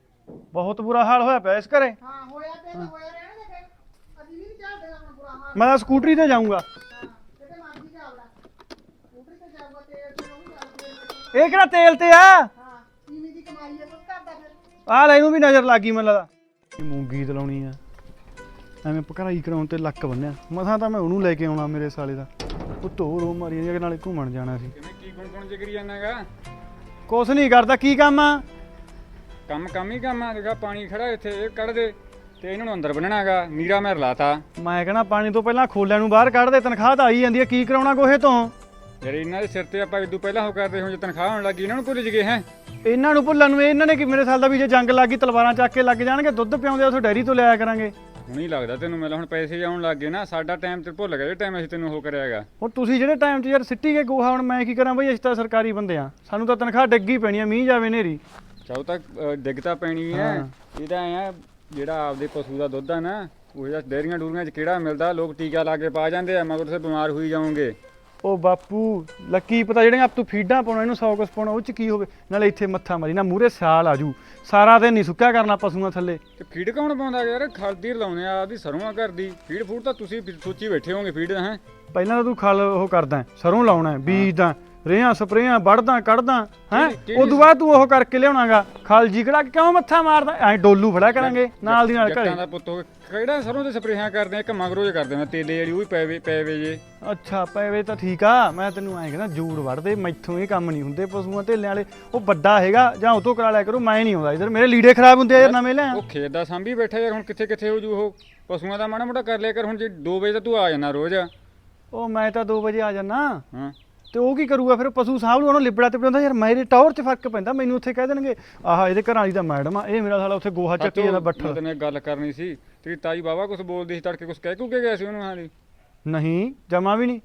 S2: ਬਹੁਤ ਬੁਰਾ ਹਾਲ ਹੋਇਆ ਪਿਆ ਇਸ ਘਰੇ
S4: ਹਾਂ ਹੋਇਆ ਤੇ ਤਾਂ ਹੋਇਆ ਰਹਿਣ ਦੇ ਫਿਰ। ਅਸੀਂ ਵੀ ਨਹੀਂ ਚੱਲਦੇ ਹੁਣ ਬੁਰਾ ਹਾਲ।
S2: ਮੈਂ ਤਾਂ ਸਕੂਟਰੀ ਤੇ ਜਾਊਂਗਾ
S4: ਹਾਂ ਕਿਤੇ ਮਰਜ਼ੀ ਚੱਲਦਾ, ਸਕੂਟਰੀ ਤੇ ਜਾਊਗਾ, ਤੇਲ ਤੇ ਉਹ ਵੀ ਚੱਲਦੇ।
S2: ਇਹ ਕਿਹੜਾ ਤੇਲ ਤੇ ਆ
S4: ਹਾਂ ਤੀਵੀਂ ਦੀ ਕਮਾਈ ਹੈ, ਕੁਝ ਕਰਦਾ ਫਿਰ।
S2: ਆ ਲੈ ਇਹਨੂੰ ਵੀ ਨਜ਼ਰ ਲੱਗ ਗਈ ਮੈਨੂੰ ਲੱਗਦਾ ਇਹ ਮੂੰਗੀ ਤਲਾਉਣੀ ਆ ਐਵੇਂ ਪਕੜਾਈ ਕਰਾਉਣ ਤੇ ਲੱਕ ਬੰਨਿਆ ਮਸਾਂ ਤਾਂ ਮੈਂ ਉਹਨੂੰ ਲੈ ਕੇ ਆਉਣਾ ਮੇਰੇ ਸਾਲੇ ਦਾ ਉਹ ਧੋ ਰੋ ਮਾਰੀ ਜਾਂਦੀ ਨਾਲੇ ਘੁੰਮਣ ਜਾਣਾ ਸੀ
S5: ਕਿਵੇਂ ਕੀ ਗੁਣ ਗੁਣ ਜਿਗਰੀ ਜਾਂਦਾਗਾ?
S2: ਕੁਛ ਨਹੀਂ ਕਰਦਾ ਕੀ ਕੰਮ ਆ
S5: ਕੰਮ ਕੰਮ ਹੀ ਕੰਮ ਆ। ਦੇਖਾ ਪਾਣੀ ਖੜਾ ਇੱਥੇ ਇਹ ਕੱਢ ਦੇ ਤੇ ਇਹਨਾਂ ਨੂੰ ਅੰਦਰ ਬੰਨਣਾਗਾ। ਨੀਰਾ ਮੈਂ ਰਲਾਤਾ
S2: ਮੈਂ ਕਹਿੰਦਾ ਪਾਣੀ ਤੋਂ ਪਹਿਲਾਂ ਖੋਲਿਆਂ ਨੂੰ ਬਾਹਰ ਕੱਢ ਦੇ ਤਨਖਾਹ ਤਾਂ ਆਈ ਜਾਂਦੀ ਆ ਕੀ ਕਰਾਉਣਾ ਕੋਹੇ ਤੋਂ
S5: ਜਿਹੜੇ ਇਹਨਾਂ ਦੇ ਸਿਰ ਤੇ ਆਪਾਂ ਇਦੋਂ ਪਹਿਲਾਂ ਹੋ ਕਰਦੇ ਹੁਣ ਜੇ ਤਨਖਾਹ ਹੋਣ ਲੱਗੀ ਇਹਨਾਂ ਨੂੰ ਭੁੱਲ ਜਗੇ ਹੈ।
S2: ਇਹਨਾਂ ਨੂੰ ਭੁੱਲਣ ਨੂੰ ਇਹਨਾਂ ਨੇ ਕਿ ਮੇਰੇ ਸਾਲ ਦਾ ਵੀ ਜੇ ਜੰਗ ਲੱਗ ਗਈ ਤਲਵਾਰਾਂ ਚੱਕ ਕੇ ਲੱਗ ਜਾਣਗੇ ਦੁੱਧ ਪਿਆਉਂਦੇ ਉਥੋਂ ਡੈਰੀ ਤੋਂ ਲਿਆਇਆ ਕਰਾਂਗੇ
S5: ਹੁਣ ਹੀ ਲੱਗਦਾ ਤੈਨੂੰ ਮਿਲ ਹੁਣ ਪੈਸੇ ਆਉਣ ਲੱਗ ਗਏ ਨਾ ਸਾਡਾ ਟਾਈਮ ਤੇ ਭੁੱਲ ਗਿਆ ਜੇ ਟਾਈਮ ਅਸੀਂ ਤੈਨੂੰ ਉਹ ਕਰਿਆਗਾ।
S2: ਹੁਣ ਤੁਸੀਂ ਜਿਹੜੇ ਟਾਈਮ 'ਚ ਯਾਰ ਸਿੱਟੀ ਗਏ ਗੋਹਾ, ਹੁਣ ਮੈਂ ਕੀ ਕਰਾਂ ਬਈ, ਅਸੀਂ ਤਾਂ ਸਰਕਾਰੀ ਬੰਦੇ ਆ, ਸਾਨੂੰ ਤਾਂ ਤਨਖਾਹ ਡਿੱਗੀ ਪੈਣੀ ਆ, ਮੀਂਹ ਜਾਵੇ ਨੇਰੀ।
S5: ਚਾਹੋ ਤਾਂ ਅ, ਡਿੱਗ ਤਾਂ ਪੈਣੀ ਹੈ।
S2: ਹਾਂ।
S5: ਇਹਦਾ ਐ ਆ ਜਿਹੜਾ ਆਪਦੇ ਪਸ਼ੂ ਦਾ ਦੁੱਧ ਆ ਨਾ ਉਹ ਜਿਹੜਾ ਡੇਅਰੀਆਂ ਡੂਰੀਆਂ 'ਚ ਕਿਹੜਾ ਮਿਲਦਾ, ਲੋਕ ਟੀਕਾ ਲਾ ਕੇ ਪਾ ਜਾਂਦੇ ਆ, ਮਗਰ ਤੁਸੀਂ ਬਿਮਾਰ ਹੋਈ ਜਾਓਗੇ।
S2: ਉਹ ਬਾਪੂ ਲੱਕੀ ਪਤਾ ਜਿਹੜੀਆਂ ਆਪ ਤੂੰ ਫੀਡਾਂ ਪਾਉਣਾ ਇਹਨੂੰ ਸੌ ਕੁਛ ਪਾਉਣਾ ਉਹ 'ਚ ਕੀ ਹੋਵੇ, ਨਾਲੇ ਇੱਥੇ ਮੱਥਾ ਮਾਰੀ ਨਾ ਮੂਹਰੇ ਸਿਆਲ ਆਜੂ, ਸਾਰਾ ਦਿਨ ਨਹੀਂ ਸੁੱਕਿਆ ਕਰਨਾ ਪਸ਼ੂਆਂ ਥੱਲੇ।
S5: ਤੇ ਫੀਡ ਕੌਣ ਪਾਉਂਦਾ ਯਾਰ, ਖਲਦੀ ਲਾਉਣੇ ਆ ਆਪਦੀ ਸਰੋਂ ਘਰ ਦੀ ਫੀਡ ਫੂਡ ਤਾਂ ਤੁਸੀਂ ਸੋਚੀ ਬੈਠੇ ਹੋਗੇ ਫੀਡ ਹੈ।
S2: ਪਹਿਲਾਂ ਤਾਂ ਤੂੰ ਖਲ ਉਹ ਕਰਦਾ ਸਰੋਂ ਲਾਉਣਾ ਬੀਜਦਾ ਰੇਹਾਂ ਸਪਰੇਆਂ ਵੜਦਾ ਕੱਢਦਾ ਹੈ, ਉਦੋਂ ਬਾਅਦ ਤੂੰ ਉਹ ਕਰਕੇ ਲਿਆਉਣਾਗਾ ਖਲ ਜੀ ਕਿਹੜਾ ਕਿਉਂ ਮੱਥਾ ਮਾਰਦਾ ਐ, ਡੋਲੂ ਫੜਿਆ ਕਰਾਂਗੇ ਨਾਲ ਦੀ ਨਾਲ ਘਰੇ।
S5: ਜੱਟਾਂ ਦਾ ਪੁੱਤ ਹੋ ਕਿਹੜਾ ਸਰੋਂ ਦੇ ਸਪਰੇਹਾਂ ਕਰਦੇ ਆ, ਇੱਕ ਮਗਰੋਂ ਜੇ ਕਰਦੇ ਨੇ ਤੇਲੇ ਵਾਲੀ ਉਹ ਵੀ ਪੈਵੇ ਪੈਵੇ ਜੇ।
S2: ਅੱਛਾ ਪੈਵੇ ਤਾਂ ਠੀਕ ਆ, ਮੈਂ ਤੈਨੂੰ ਐਂ ਕਹਿੰਦਾ ਜੂੜ ਵੜਦੇ ਮੈਥੋਂ ਇਹ ਕੰਮ ਨਹੀਂ ਹੁੰਦੇ ਪਸ਼ੂਆਂ ਢੇਲਿਆਂ ਵਾਲੇ, ਉਹ ਵੱਡਾ ਹੈਗਾ ਜਾਂ ਉਹ ਤੋਂ ਕਰਾ ਲਿਆ ਕਰੋ, ਮੈਂ ਨਹੀਂ ਆਉਂਦਾ ਇਧਰ, ਮੇਰੇ ਲੀੜੇ ਖਰਾਬ ਹੁੰਦੇ ਆ ਯਾਰ ਨਵੇਂ ਲੈ।
S5: ਉਹ ਖੇਤ ਦਾ ਸਾਂਭੀ ਬੈਠਾ ਯਾਰ, ਹੁਣ ਕਿੱਥੇ ਕਿੱਥੇ ਹੋ ਜੂ ਉਹ, ਪਸ਼ੂਆਂ ਦਾ ਮਾੜਾ ਮੋਟਾ ਕਰ ਲਿਆ ਕਰ। ਹੁਣ ਜੇ ਦੋ ਵਜੇ ਤਾਂ ਤੂੰ ਆ ਜਾਣਾ ਰੋਜ਼।
S2: ਉਹ ਮੈਂ ਤਾਂ ਦੋ ਵਜੇ ਆ ਜਾਣਾ
S5: ਹਾਂ
S2: ਤੇ ਉਹ ਕੀ ਕਰੂਗਾ ਫਿਰ, ਪਸ਼ੂ ਸਾਂਭ ਲੂ, ਉਹਨੂੰ ਲਿਬੜਾ ਤੇ ਪਿਆਉਂਦਾ ਯਾਰ, ਮੇਰੇ ਟੌਰ 'ਚ ਫਰਕ ਪੈਂਦਾ, ਮੈਨੂੰ ਉੱਥੇ ਕਹਿ ਦੇਣਗੇ ਆਹ ਇਹਦੇ ਘਰਾਂ ਵਾਲੀ ਤਾਂ ਮੈਡਮ ਆ, ਇਹ ਮੇਰਾ ਸਾਲਾ ਉੱਥੇ ਗੋਹਾ ਚੱਕੀ ਜਾਂਦਾ ਬੱਠਲ।
S5: ਮੈਂ ਤੈਨੂੰ ਇੱਕ ਗੱਲ ਕਰਨੀ ਸੀ, ਤੇਰੀ ਤਾਈ ਬਾਬਾ ਕੁਝ ਬੋਲਦੀ ਸੀ ਤੜਕੇ, ਕੁਝ ਕਹਿ ਕੂ ਕੇ ਗਿਆ ਸੀ ਉਹਨੂੰ ਹਾਲੀ?
S2: ਨਹੀਂ ਜਮਾ ਵੀ ਨਹੀਂ।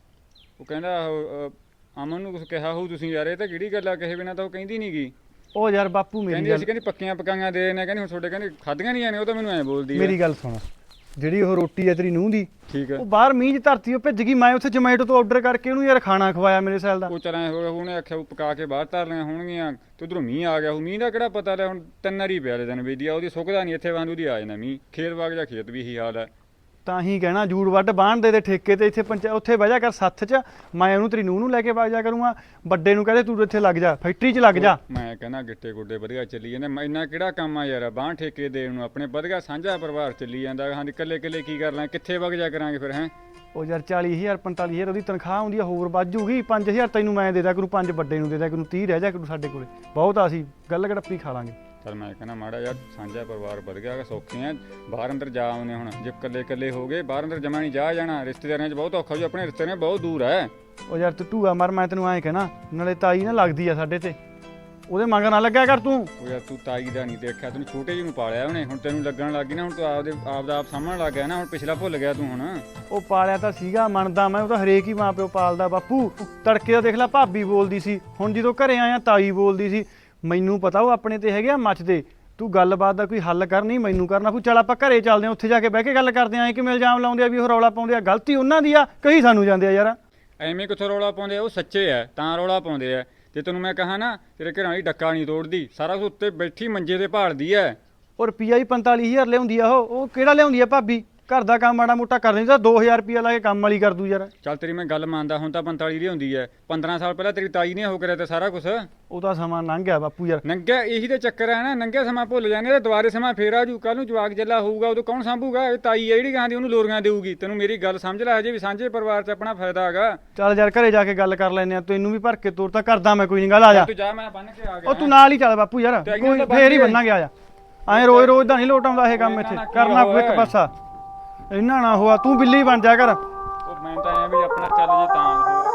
S5: ਉਹ ਕਹਿੰਦਾ ਉਹ, ਅ, ਅਮਨ ਨੂੰ ਕੁਝ ਕਿਹਾ ਹੋਊ ਤੁਸੀਂ ਯਾਰ, ਇਹ ਤਾਂ ਕਿਹੜੀ ਗੱਲ ਆ, ਕਹੇ ਬਿਨਾਂ ਤਾਂ ਉਹ ਕਹਿੰਦੀ ਨਹੀਂ ਗੀ।
S2: ਉਹ ਯਾਰ ਬਾਪੂ ਮੇਰੀ
S5: ਕਹਿੰਦੀ
S2: ਗੱਲ
S5: ਅਸੀਂ ਕਹਿੰਦੀ ਪੱਕੀਆਂ ਪਕਾਈਆਂ ਦੇ ਨੇ, ਕਹਿੰਦੀ ਹੁਣ ਤੁਹਾਡੇ ਕਹਿੰਦੀ ਖਾਧੀਆਂ ਨਹੀਂ ਜਾਣੇ, ਉਹ ਤਾਂ ਮੈਨੂੰ ਐਂ ਬੋਲਦੀ
S2: ਮੇਰੀ ਗੱਲ ਸੁਣ, ਜਿਹੜੀ ਉਹ ਰੋਟੀ ਹੈ ਤੇਰੀ ਨੂੰਹ ਦੀ,
S5: ਠੀਕ ਹੈ
S2: ਉਹ ਬਾਹਰ ਮੀਂਹ 'ਚ ਧਰਤੀ ਉਹ ਭਿੱਜ ਗਈ, ਮੈਂ ਉੱਥੇ ਜਮੈਟੋ ਤੋਂ ਆਰਡਰ ਕਰਕੇ ਉਹਨੂੰ ਯਾਰ ਖਾਣਾ ਖਵਾਇਆ ਮੇਰੇ ਸੈਲ ਦਾ।
S5: ਉਹ ਚਲਾਂ ਹੋ ਗਿਆ, ਉਹਨੇ ਆਖਿਆ ਉਹ ਪਕਾ ਕੇ ਬਾਹਰ ਧਰ ਲਿਆ ਹੋਣਗੀਆਂ, ਤੇ ਉਧਰੋਂ ਮੀਂਹ ਆ ਗਿਆ, ਉਹ ਮੀਂਹ ਦਾ ਕਿਹੜਾ ਪਤਾ ਲੈ, ਹੁਣ ਤਿੰਨ ਵਾਰੀ ਪਿਆ ਦਿਨ ਵੇਦੀ ਆ ਉਹਦੀ, ਸੁੱਕਦਾ ਨਹੀਂ ਇੱਥੇ ਵਾਂਦੂ ਦੀ ਆ ਜਾਣਾ ਮੀਂਹ, ਖੇਤ ਬਾਗ ਜਾਂ ਖੇਤ ਵੀ ਇਹੀ ਹਾਲ ਹੈ।
S2: ਤਾਂ ਹੀ ਕਹਿਣਾ ਜੂੜ ਵੱਢ ਬਾਣ ਦੇ ਦੇ ਠੇਕੇ ਤੇ, ਇੱਥੇ ਪੰਚਾ ਉੱਥੇ ਬਹਿ ਜਾ ਕਰ ਸੱਥ 'ਚ, ਮੈਂ ਉਹਨੂੰ ਤੇਰੀ ਨੂੰਹ ਨੂੰ ਲੈ ਕੇ ਵਗ ਜਾ ਕਰੂੰਗਾ, ਵੱਡੇ ਨੂੰ ਕਹਦੇ ਤੂੰ ਇੱਥੇ ਲੱਗ ਜਾ ਫੈਕਟਰੀ 'ਚ ਲੱਗ ਜਾ।
S5: ਮੈਂ ਕਹਿੰਦਾ ਗਿੱਟੇ ਗੁੱਡੇ ਵਧੀਆ ਚੱਲੀ ਜਾਂਦੇ, ਮੈਂ ਇੰਨਾ ਕਿਹੜਾ ਕੰਮ ਆ ਯਾਰ, ਬਾਂਹ ਠੇਕੇ ਦੇਣ ਨੂੰ, ਆਪਣੇ ਵਧੀਆ ਸਾਂਝਾ ਪਰਿਵਾਰ ਚੱਲੀ ਜਾਂਦਾ, ਹਾਂ ਇਕੱਲੇ ਇਕੱਲੇ ਕੀ ਕਰ ਲਾਂ, ਕਿੱਥੇ ਵਗ ਜਾ ਕਰਾਂਗੇ ਫਿਰ ਹੈ।
S2: ਉਹ ਯਾਰ ਚਾਲੀ ਹਜ਼ਾਰ ਪੰਤਾਲੀ ਹਜ਼ਾਰ ਉਹਦੀ ਤਨਖਾਹ ਹੁੰਦੀ ਆ, ਹੋਰ ਵੱਧ ਜੂਗੀ, ਪੰਜ ਹਜ਼ਾਰ ਤੈਨੂੰ ਮੈਂ ਦੇ ਦਿਆ ਕਰੂ, ਪੰਜ ਵੱਡੇ ਨੂੰ ਦੇ ਦਿਆ ਕਰੂ, ਤੀਹ ਰਹਿ ਜਾ ਕਰੂ ਸਾਡੇ ਕੋਲੇ, ਬਹੁਤ ਆ ਅਸੀਂ ਗੱਲ ਗੜੱਪੀ ਖਾ ਲਾਂਗੇ।
S5: ਚਲ ਮੈਂ ਕਹਿੰਦਾ ਮਾੜਾ ਯਾਰ ਸਾਂਝਾ ਪਰਿਵਾਰ ਵਧ ਗਿਆ, ਸੌਖੇ ਆ, ਬਾਹਰ ਅੰਦਰ ਜਾ ਆਉਂਦੇ ਹੁਣ, ਜੇ ਇਕੱਲੇ ਇਕੱਲੇ ਹੋ ਗਏ ਬਾਹਰ ਅੰਦਰ ਜਮਾ ਨਹੀਂ ਜਾ ਜਾਣਾ, ਰਿਸ਼ਤੇਦਾਰਾਂ 'ਚ ਬਹੁਤ ਔਖਾ ਜੀ, ਆਪਣੇ ਰਿਸ਼ਤੇਦਾਰ ਬਹੁਤ ਦੂਰ ਹੈ।
S2: ਉਹ ਯਾਰ ਤੂੰ ਢੂਆ ਮਰ, ਮੈਂ ਤੈਨੂੰ ਐਂ ਕਹਿਣਾ, ਨਾਲੇ ਤਾਈ ਨਾ ਲੱਗਦੀ ਆ ਸਾਡੇ ਤੇ, ਉਹਦੇ ਮਗਰ ਨਾ ਲੱਗਿਆ ਕਰ ਤੂੰ।
S5: ਉਹ ਯਾਰ ਤੂੰ ਤਾਈ ਦਾ ਨਹੀਂ ਦੇਖਿਆ, ਤੈਨੂੰ ਛੋਟੇ ਜਿਹੇ ਨੂੰ ਪਾਲਿਆ ਉਹਨੇ, ਹੁਣ ਤੈਨੂੰ ਲੱਗਣ ਲੱਗ ਗਈ ਨਾ, ਹੁਣ ਤੂੰ ਆਪਦੇ ਆਪ ਦਾ ਆਪ ਸਾਹਮਣ ਲੱਗ ਗਿਆ ਨਾ, ਹੁਣ ਪਿਛਲਾ ਭੁੱਲ ਗਿਆ ਤੂੰ ਹੁਣ।
S2: ਉਹ ਪਾਲਿਆ ਤਾਂ ਸੀਗਾ ਮੰਨਦਾ ਮੈਂ, ਉਹ ਤਾਂ ਹਰੇਕ ਹੀ ਮਾਂ ਪਿਓ ਪਾਲਦਾ ਬਾਪੂ। ਤੜਕੇ ਦਾ ਦੇਖ ਲੈ ਭਾਬੀ ਬੋਲਦੀ ਸੀ, ਹੁਣ ਜਦੋਂ ਘਰੇ ਆਇਆ ਤਾਈ ਬੋਲਦੀ ਸੀ, ਮੈਨੂੰ ਪਤਾ ਉਹ ਆਪਣੇ ਤੇ ਹੈਗੇ ਆ ਮੱਚਦੇ, ਤੂੰ ਗੱਲਬਾਤ ਦਾ ਕੋਈ ਹੱਲ ਕਰ, ਨਹੀਂ ਮੈਨੂੰ ਕਰਨਾ ਕੋਈ, ਚੱਲ ਆਪਾਂ ਘਰੇ ਚੱਲਦੇ ਆ, ਉੱਥੇ ਜਾ ਕੇ ਬਹਿ ਕੇ ਗੱਲ ਕਰਦੇ ਆਂ, ਕਿਵੇਂ ਇਲਜ਼ਾਮ ਲਾਉਂਦੇ ਆ ਵੀ ਉਹ ਰੌਲਾ ਪਾਉਂਦੇ ਆ, ਗਲਤੀ ਉਹਨਾਂ ਦੀ ਆ, ਕਹੀ ਸਾਨੂੰ ਜਾਂਦੇ ਆ ਯਾਰ।
S5: ਐਵੇਂ ਕਿੱਥੋਂ ਰੌਲਾ ਪਾਉਂਦੇ ਆ, ਉਹ ਸੱਚੇ ਆ ਤਾਂ ਰੌਲਾ ਪਾਉਂਦੇ ਆ। ਤੇ ਤੈਨੂੰ ਮੈਂ ਕਹਾ ਨਾ ਤੇਰੇ ਘਰਾਂ ਵਾਲੀ ਡੱਕਾ ਨਹੀਂ ਤੋੜਦੀ, ਸਾਰਾ ਕੁਝ ਉੱਤੇ ਬੈਠੀ ਮੰਜੇ ਤੇ ਭਾਲਦੀ ਐ।
S2: ਉਹ ਰੁਪਈਆ ਹੀ ਪੰਤਾਲੀ ਹਜ਼ਾਰ ਲਿਆਉਂਦੀ ਆ, ਉਹ ਉਹ ਕਿਹੜਾ ਲਿਆਉਂਦੀ ਆ ਭਾਬੀ, ਘਰ ਦਾ ਕੰਮ ਮਾੜਾ ਮੋਟਾ ਕਰ ਦਿੰਦੀ ਤਾਂ ਦੋ ਹਜ਼ਾਰ ਰੁਪਈਆ ਲਾ ਕੇ ਕੰਮ ਵਾਲੀ ਕਰ ਦੂ ਯਾਰ।
S5: ਚੱਲ ਤੇਰੀ ਮੈਂ ਗੱਲ ਮੰਨਦਾ, ਹੁਣ ਤਾਂ ਪੰਤਾਲੀ ਦੀ ਹੁੰਦੀ ਐ, ਪੰਦਰਾਂ ਸਾਲ ਪਹਿਲਾਂ ਤੇਰੀ ਤਾਈ ਨੇ ਹੋ ਕਰਿਆ ਤੇ ਸਾਰਾ ਕੁਝ।
S2: ਉਹਦਾ ਸਮਾਂ ਲੰਘ ਗਿਆ ਬਾਪੂ ਯਾਰ।
S5: ਨੰਗਿਆ ਇਹੀ ਤੇ ਚੱਕਰ ਹੈ ਨਾ, ਨੰਗਿਆ ਸਮਾਂ ਭੁੱਲ ਜਾਂਦੇ ਤੇ ਦੁਬਾਰੇ ਸਮਾਂ ਫੇਰ ਆ ਜੂ, ਕੱਲ ਨੂੰ ਜਵਾਕ ਜੱਲਾ ਹੋਊਗਾ ਉਦੋਂ ਕੌਣ ਸਾਂਭੂਗਾ, ਇਹ ਤਾਈ ਆ ਜਿਹੜੀ ਕਹਾਂਦੀ ਉਹਨੂੰ ਲੋਰੀਆਂ ਦੇਊਗੀ। ਤੈਨੂੰ ਮੇਰੀ ਗੱਲ ਸਮਝ ਲੈ, ਹਜੇ ਵੀ ਸਾਂਝੇ ਪਰਿਵਾਰ 'ਚ ਆਪਣਾ ਫਾਇਦਾ ਹੈਗਾ।
S2: ਚੱਲ ਯਾਰ ਘਰੇ ਜਾ ਕੇ ਗੱਲ ਕਰ ਲੈਨੇ ਆ, ਤੈਨੂੰ ਵੀ ਭਰ ਕੇ ਤੋਰ ਤਾਂ ਕਰਦਾ ਮੈਂ, ਕੋਈ ਨਹੀਂ ਗੱਲ ਆ ਜਾ।
S5: ਤੂੰ ਜਾ ਮੈਂ ਬੰਨ ਕੇ ਆ ਗਿਆ।
S2: ਉਹ ਤੂੰ ਨਾਲ ਹੀ ਚੱਲ ਬਾਪੂ ਯਾਰ,
S5: ਤੇ ਇਹਨਾਂ
S2: ਕੋਈ
S5: ਦਾ
S2: ਫੇਰ ਹੀ
S5: ਬੰਨ
S2: ਬੰਨਾਂਗੇ, ਆ ਜਾ। ਐਂ ਰੋਜ਼ ਰੋਜ਼ ਦਾ ਨਹੀਂ ਲੋਟ ਆਉਂਦਾ ਇਹ ਕੰਮ, ਇੱਥੇ ਕਰਨਾ ਕੋਈ ਇੱਕ ਪਾਸਾ, ਇੰਨਾ ਨਾ ਹੋਆ ਤੂੰ ਬਿੱਲੀ ਬਣ ਜਾ ਕਰ।
S5: ਉਹ ਮੈਂ ਤਾਂ ਐ ਵੀ ਆਪਣਾ ਚੱਲ ਜੇ ਤਾਂ ਹੋਰ।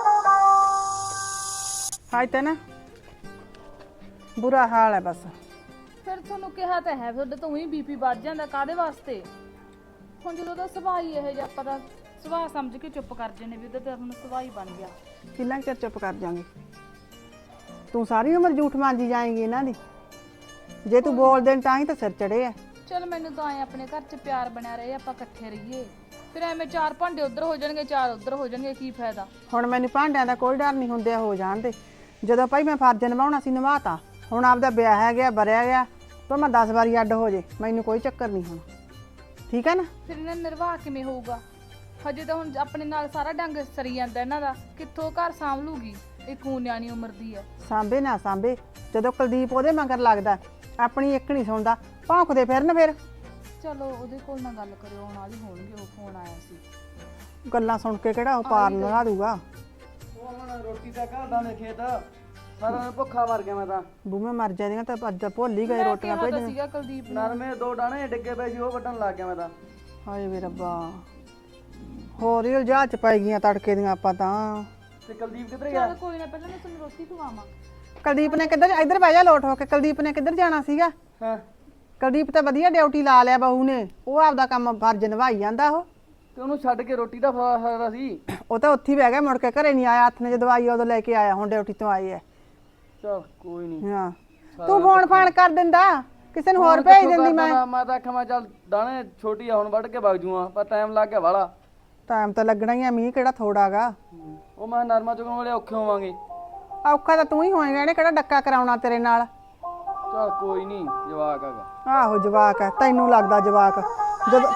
S4: ਹਾਈ ਤਾਂ ਨਾ ਬੁਰਾ ਹਾਲ ਹੈ ਬਸ।
S3: ਫਿਰ ਤੁਹਾਨੂੰ ਕਿਹਾ ਤਾਂ ਹੈ, ਤੁਹਾਡੇ ਤੋਂ ਹੀ ਬੀਪੀ ਵੱਧ ਜਾਂਦਾ, ਕਾਦੇ ਵਾਸਤੇ? ਹੁਣ ਜਦੋਂ ਦਾ ਸੁਭਾਅ ਹੀ ਇਹ ਜਿਹਾ, ਆਪਾਂ ਦਾ ਸੁਭਾਅ ਸਮਝ ਕੇ ਚੁੱਪ ਕਰ ਜਨੇ ਵੀ ਉਹਦਾ ਤਾਂ ਹੁਣ ਸੁਭਾਅ ਹੀ ਬਣ ਗਿਆ।
S4: ਕਿੰਨਾ ਕੁ ਚਿਰ ਚੁੱਪ ਕਰ ਜਾਾਂਗੇ? ਤੂੰ ਸਾਰੀ ਉਮਰ ਝੂਠ ਮਾਂਜੀ ਜਾਏਂਗੀ ਇਹਨਾਂ ਦੀ, ਜੇ ਤੂੰ ਬੋਲ ਦੇਣ ਤਾਂ ਹੀ ਤਾਂ ਸਿਰ ਚੜੇ ਆ।
S3: ਚਲ ਮੈਨੂੰ ਤਾਂ ਆਏ ਆਪਣੇ ਘਰ 'ਚ ਪਿਆਰ ਬਣਿਆ ਰਹੇ, ਆਪਾਂ ਇਕੱਠੇ ਰਹੀਏ, ਫਿਰ ਐਵੇਂ ਚਾਰ ਭਾਂਡੇ ਉੱਧਰ ਹੋ ਜਾਣਗੇ, ਚਾਰ ਉੱਧਰ ਹੋ ਜਾਣਗੇ, ਕੀ ਫਾਇਦਾ?
S4: ਹੁਣ ਮੈਨੂੰ ਭਾਂਡਿਆਂ ਦਾ ਕੋਈ ਡਰ ਨਹੀਂ ਹੁੰਦੇ, ਹੋ ਜਾਣ ਦੇ। ਜਦੋਂ ਭਾਈ ਮੈਂ ਫਰਜ਼ ਨਿਭਾਉਣਾ ਸੀ ਨਿਭਾਤਾ, ਹੁਣ ਆਪਦਾ ਵਿਆਹ ਹੈ ਗਿਆ, ਬਰਿਆ ਗਿਆ, ਪਰ ਮੈਂ ਦਸ ਵਾਰੀ ਅੱਡ ਹੋ ਜੇ ਮੈਨੂੰ ਕੋਈ ਚੱਕਰ ਨਹੀਂ ਹੁਣ, ਠੀਕ ਹੈ ਨਾ?
S3: ਫਿਰ ਇਹਨਾਂ ਦਾ ਨਿਰਵਾਹ ਕਿਵੇਂ ਹੋਊਗਾ? ਹਜੇ ਤਾਂ ਹੁਣ ਆਪਣੇ ਨਾਲ ਸਾਰਾ ਡੰਗ ਸਰੀ ਜਾਂਦਾ ਇਹਨਾਂ ਦਾ, ਕਿੱਥੋਂ ਘਰ ਸਾਂਭ ਲੂਗੀ? ਇੱਕ ਊਂ ਨਿਆਣੀ ਉਮਰ ਦੀ ਹੈ।
S4: ਸਾਂਭੇ ਨਾ ਸਾਂਭੇ, ਜਦੋਂ ਕੁਲਦੀਪ ਉਹਦੇ ਮਗਰ ਲੱਗਦਾ, ਆਪਣੀ ਇੱਕ ਨਹੀਂ ਸੁਣਦਾ, ਭੌਂਕਦੇ ਫਿਰਨ ਫਿਰ।
S3: ਚਲੋ ਉਹਦੇ ਕੋਲ ਨਾ ਗੱਲ ਕਰਿਓ, ਆਉਣ ਵਾਲੀ ਹੋਣਗੇ, ਉਹ ਫੋਨ ਆਇਆ ਸੀ।
S4: ਗੱਲਾਂ ਸੁਣ ਕੇ ਕਿਹੜਾ ਉਹ ਪਾਰ ਲਗਾ ਦੂਗਾ।
S2: ਉਹ ਹੁਣ ਰੋਟੀ ਤਾਂ ਘਰ ਦੇ ਖੇਤ, ਸਾਰਾ ਦਿਨ ਭੁੱਖਾ ਮਰ ਗਿਆ ਮੈਂ ਤਾਂ।
S4: ਬੂਵੇਂ ਮਰ ਜਾਂਦੀਆਂ ਤਾਂ ਅੱਜ ਭੁੱਲ ਹੀ ਗਏ ਰੋਟੀਆਂ
S3: ਕਿਹਾ ਤਾਂ
S4: ਭੇਜਣ।
S3: ਸੀਗਾ ਕੁਲਦੀਪ ਨੂੰ।
S2: ਨਰਮੇ ਦੋ ਡਾਣੇ ਡਿੱਗੇ ਪਏ ਸੀ, ਉਹ ਵੱਢਣ ਲੱਗ ਗਿਆ ਮੈਂ ਤਾਂ।
S4: ਹਾਏ ਵੇ ਰੱਬਾ, ਹੋਰ ਹੀ ਉਲਝਾ ਚ ਪੈ ਗਈਆਂ ਤੜਕੇ ਦੀਆਂ ਆਪਾਂ ਤਾਂ।
S2: ਤੇ ਕੁਲਦੀਪ ਕਿੱਧਰ ਗਿਆ?
S3: ਚਲ ਕੋਈ ਨਾ, ਪਹਿਲਾਂ ਮੈਂ ਤੁਹਾਨੂੰ ਰੋਟੀ ਖਵਾਵਾਂ।
S4: ਕੁਲਦੀਪ ਨੇ ਕਿੱਧਰ, ਇੱਧਰ ਬਹਿ ਜਾ ਲੋਟ ਹੋ ਕੇ, ਕੁਲਦੀਪ ਨੇ ਕਿੱਧਰ ਜਾਣਾ ਸੀਗਾ?
S2: ਹਾਂ
S4: ਕੁਲਦੀਪ ਤਾਂ ਵਧੀਆ ਡਿਊਟੀ ਲਾ ਲਿਆ ਬਹੂ ਨੇ, ਉਹ ਆਪਦਾ ਕੰਮ ਫਰਜ਼ ਨਿਭਾਈ ਜਾਂਦਾ ਉਹ।
S6: ਤੇ ਉਹਨੂੰ ਛੱਡ ਕੇ ਰੋਟੀ ਦਾ ਫਾਇਦਾ ਸੀ।
S4: ਉਹ ਤਾਂ ਉੱਥੇ ਹੀ ਬਹਿ ਗਿਆ, ਮੁੜ ਕੇ ਘਰੇ ਨਹੀਂ ਆਇਆ। ਹੱਥ ਨੇ ਜਦੋਂ ਆਈ ਉਦੋਂ ਲੈ ਕੇ ਆਇਆ, ਹੁਣ ਡਿਊਟੀ ਤੋਂ ਆਏ ਐ।
S6: ਚਲ ਕੋਈ ਨਹੀਂ।
S4: ਹਾਂ ਤੂੰ ਫੋਨ ਫਾਨ ਕਰ ਦਿੰਦਾ, ਕਿਸੇ ਨੂੰ ਹੋਰ ਭੇਜ ਦਿੰਦੀ ਮੈਂ।
S6: ਮੈਂ ਤਾਂ ਆਖਾਂ ਮੈਂ ਚੱਲ ਦਾਣੇ ਛੋਟੀ ਆ ਹੁਣ ਵੱਢ ਕੇ ਵਗ ਜੂਆਂ, ਪਰ ਟਾਈਮ ਲੱਗ ਗਿਆ ਵਾਲਾ।
S4: ਟਾਈਮ ਤਾਂ ਲੱਗਣਾ ਹੀ ਆ, ਮੀਂਹ ਕਿਹੜਾ ਥੋੜਾਗਾ।
S6: ਉਹ ਮੈਂ ਨਰਮਾ ਚੁਗਣ ਵਾਲੇ ਔਖੇ ਹੋਵਾਂਗੇ।
S4: ਔਖਾ ਤਾਂ ਤੂੰ ਹੀ ਹੋਏਗਾ, ਇਹਨੇ ਕਿਹੜਾ ਡੱਕਾ ਕਰਾਉਣਾ ਤੇਰੇ ਨਾਲ।
S6: ਚਲ ਕੋਈ ਨਹੀਂ, ਜਵਾਕ ਹੈਗਾ।
S4: ਆਹੋ ਜਵਾਕ ਹੈ, ਤੈਨੂੰ ਲੱਗਦਾ ਜਵਾਕ। ਜਦੋਂ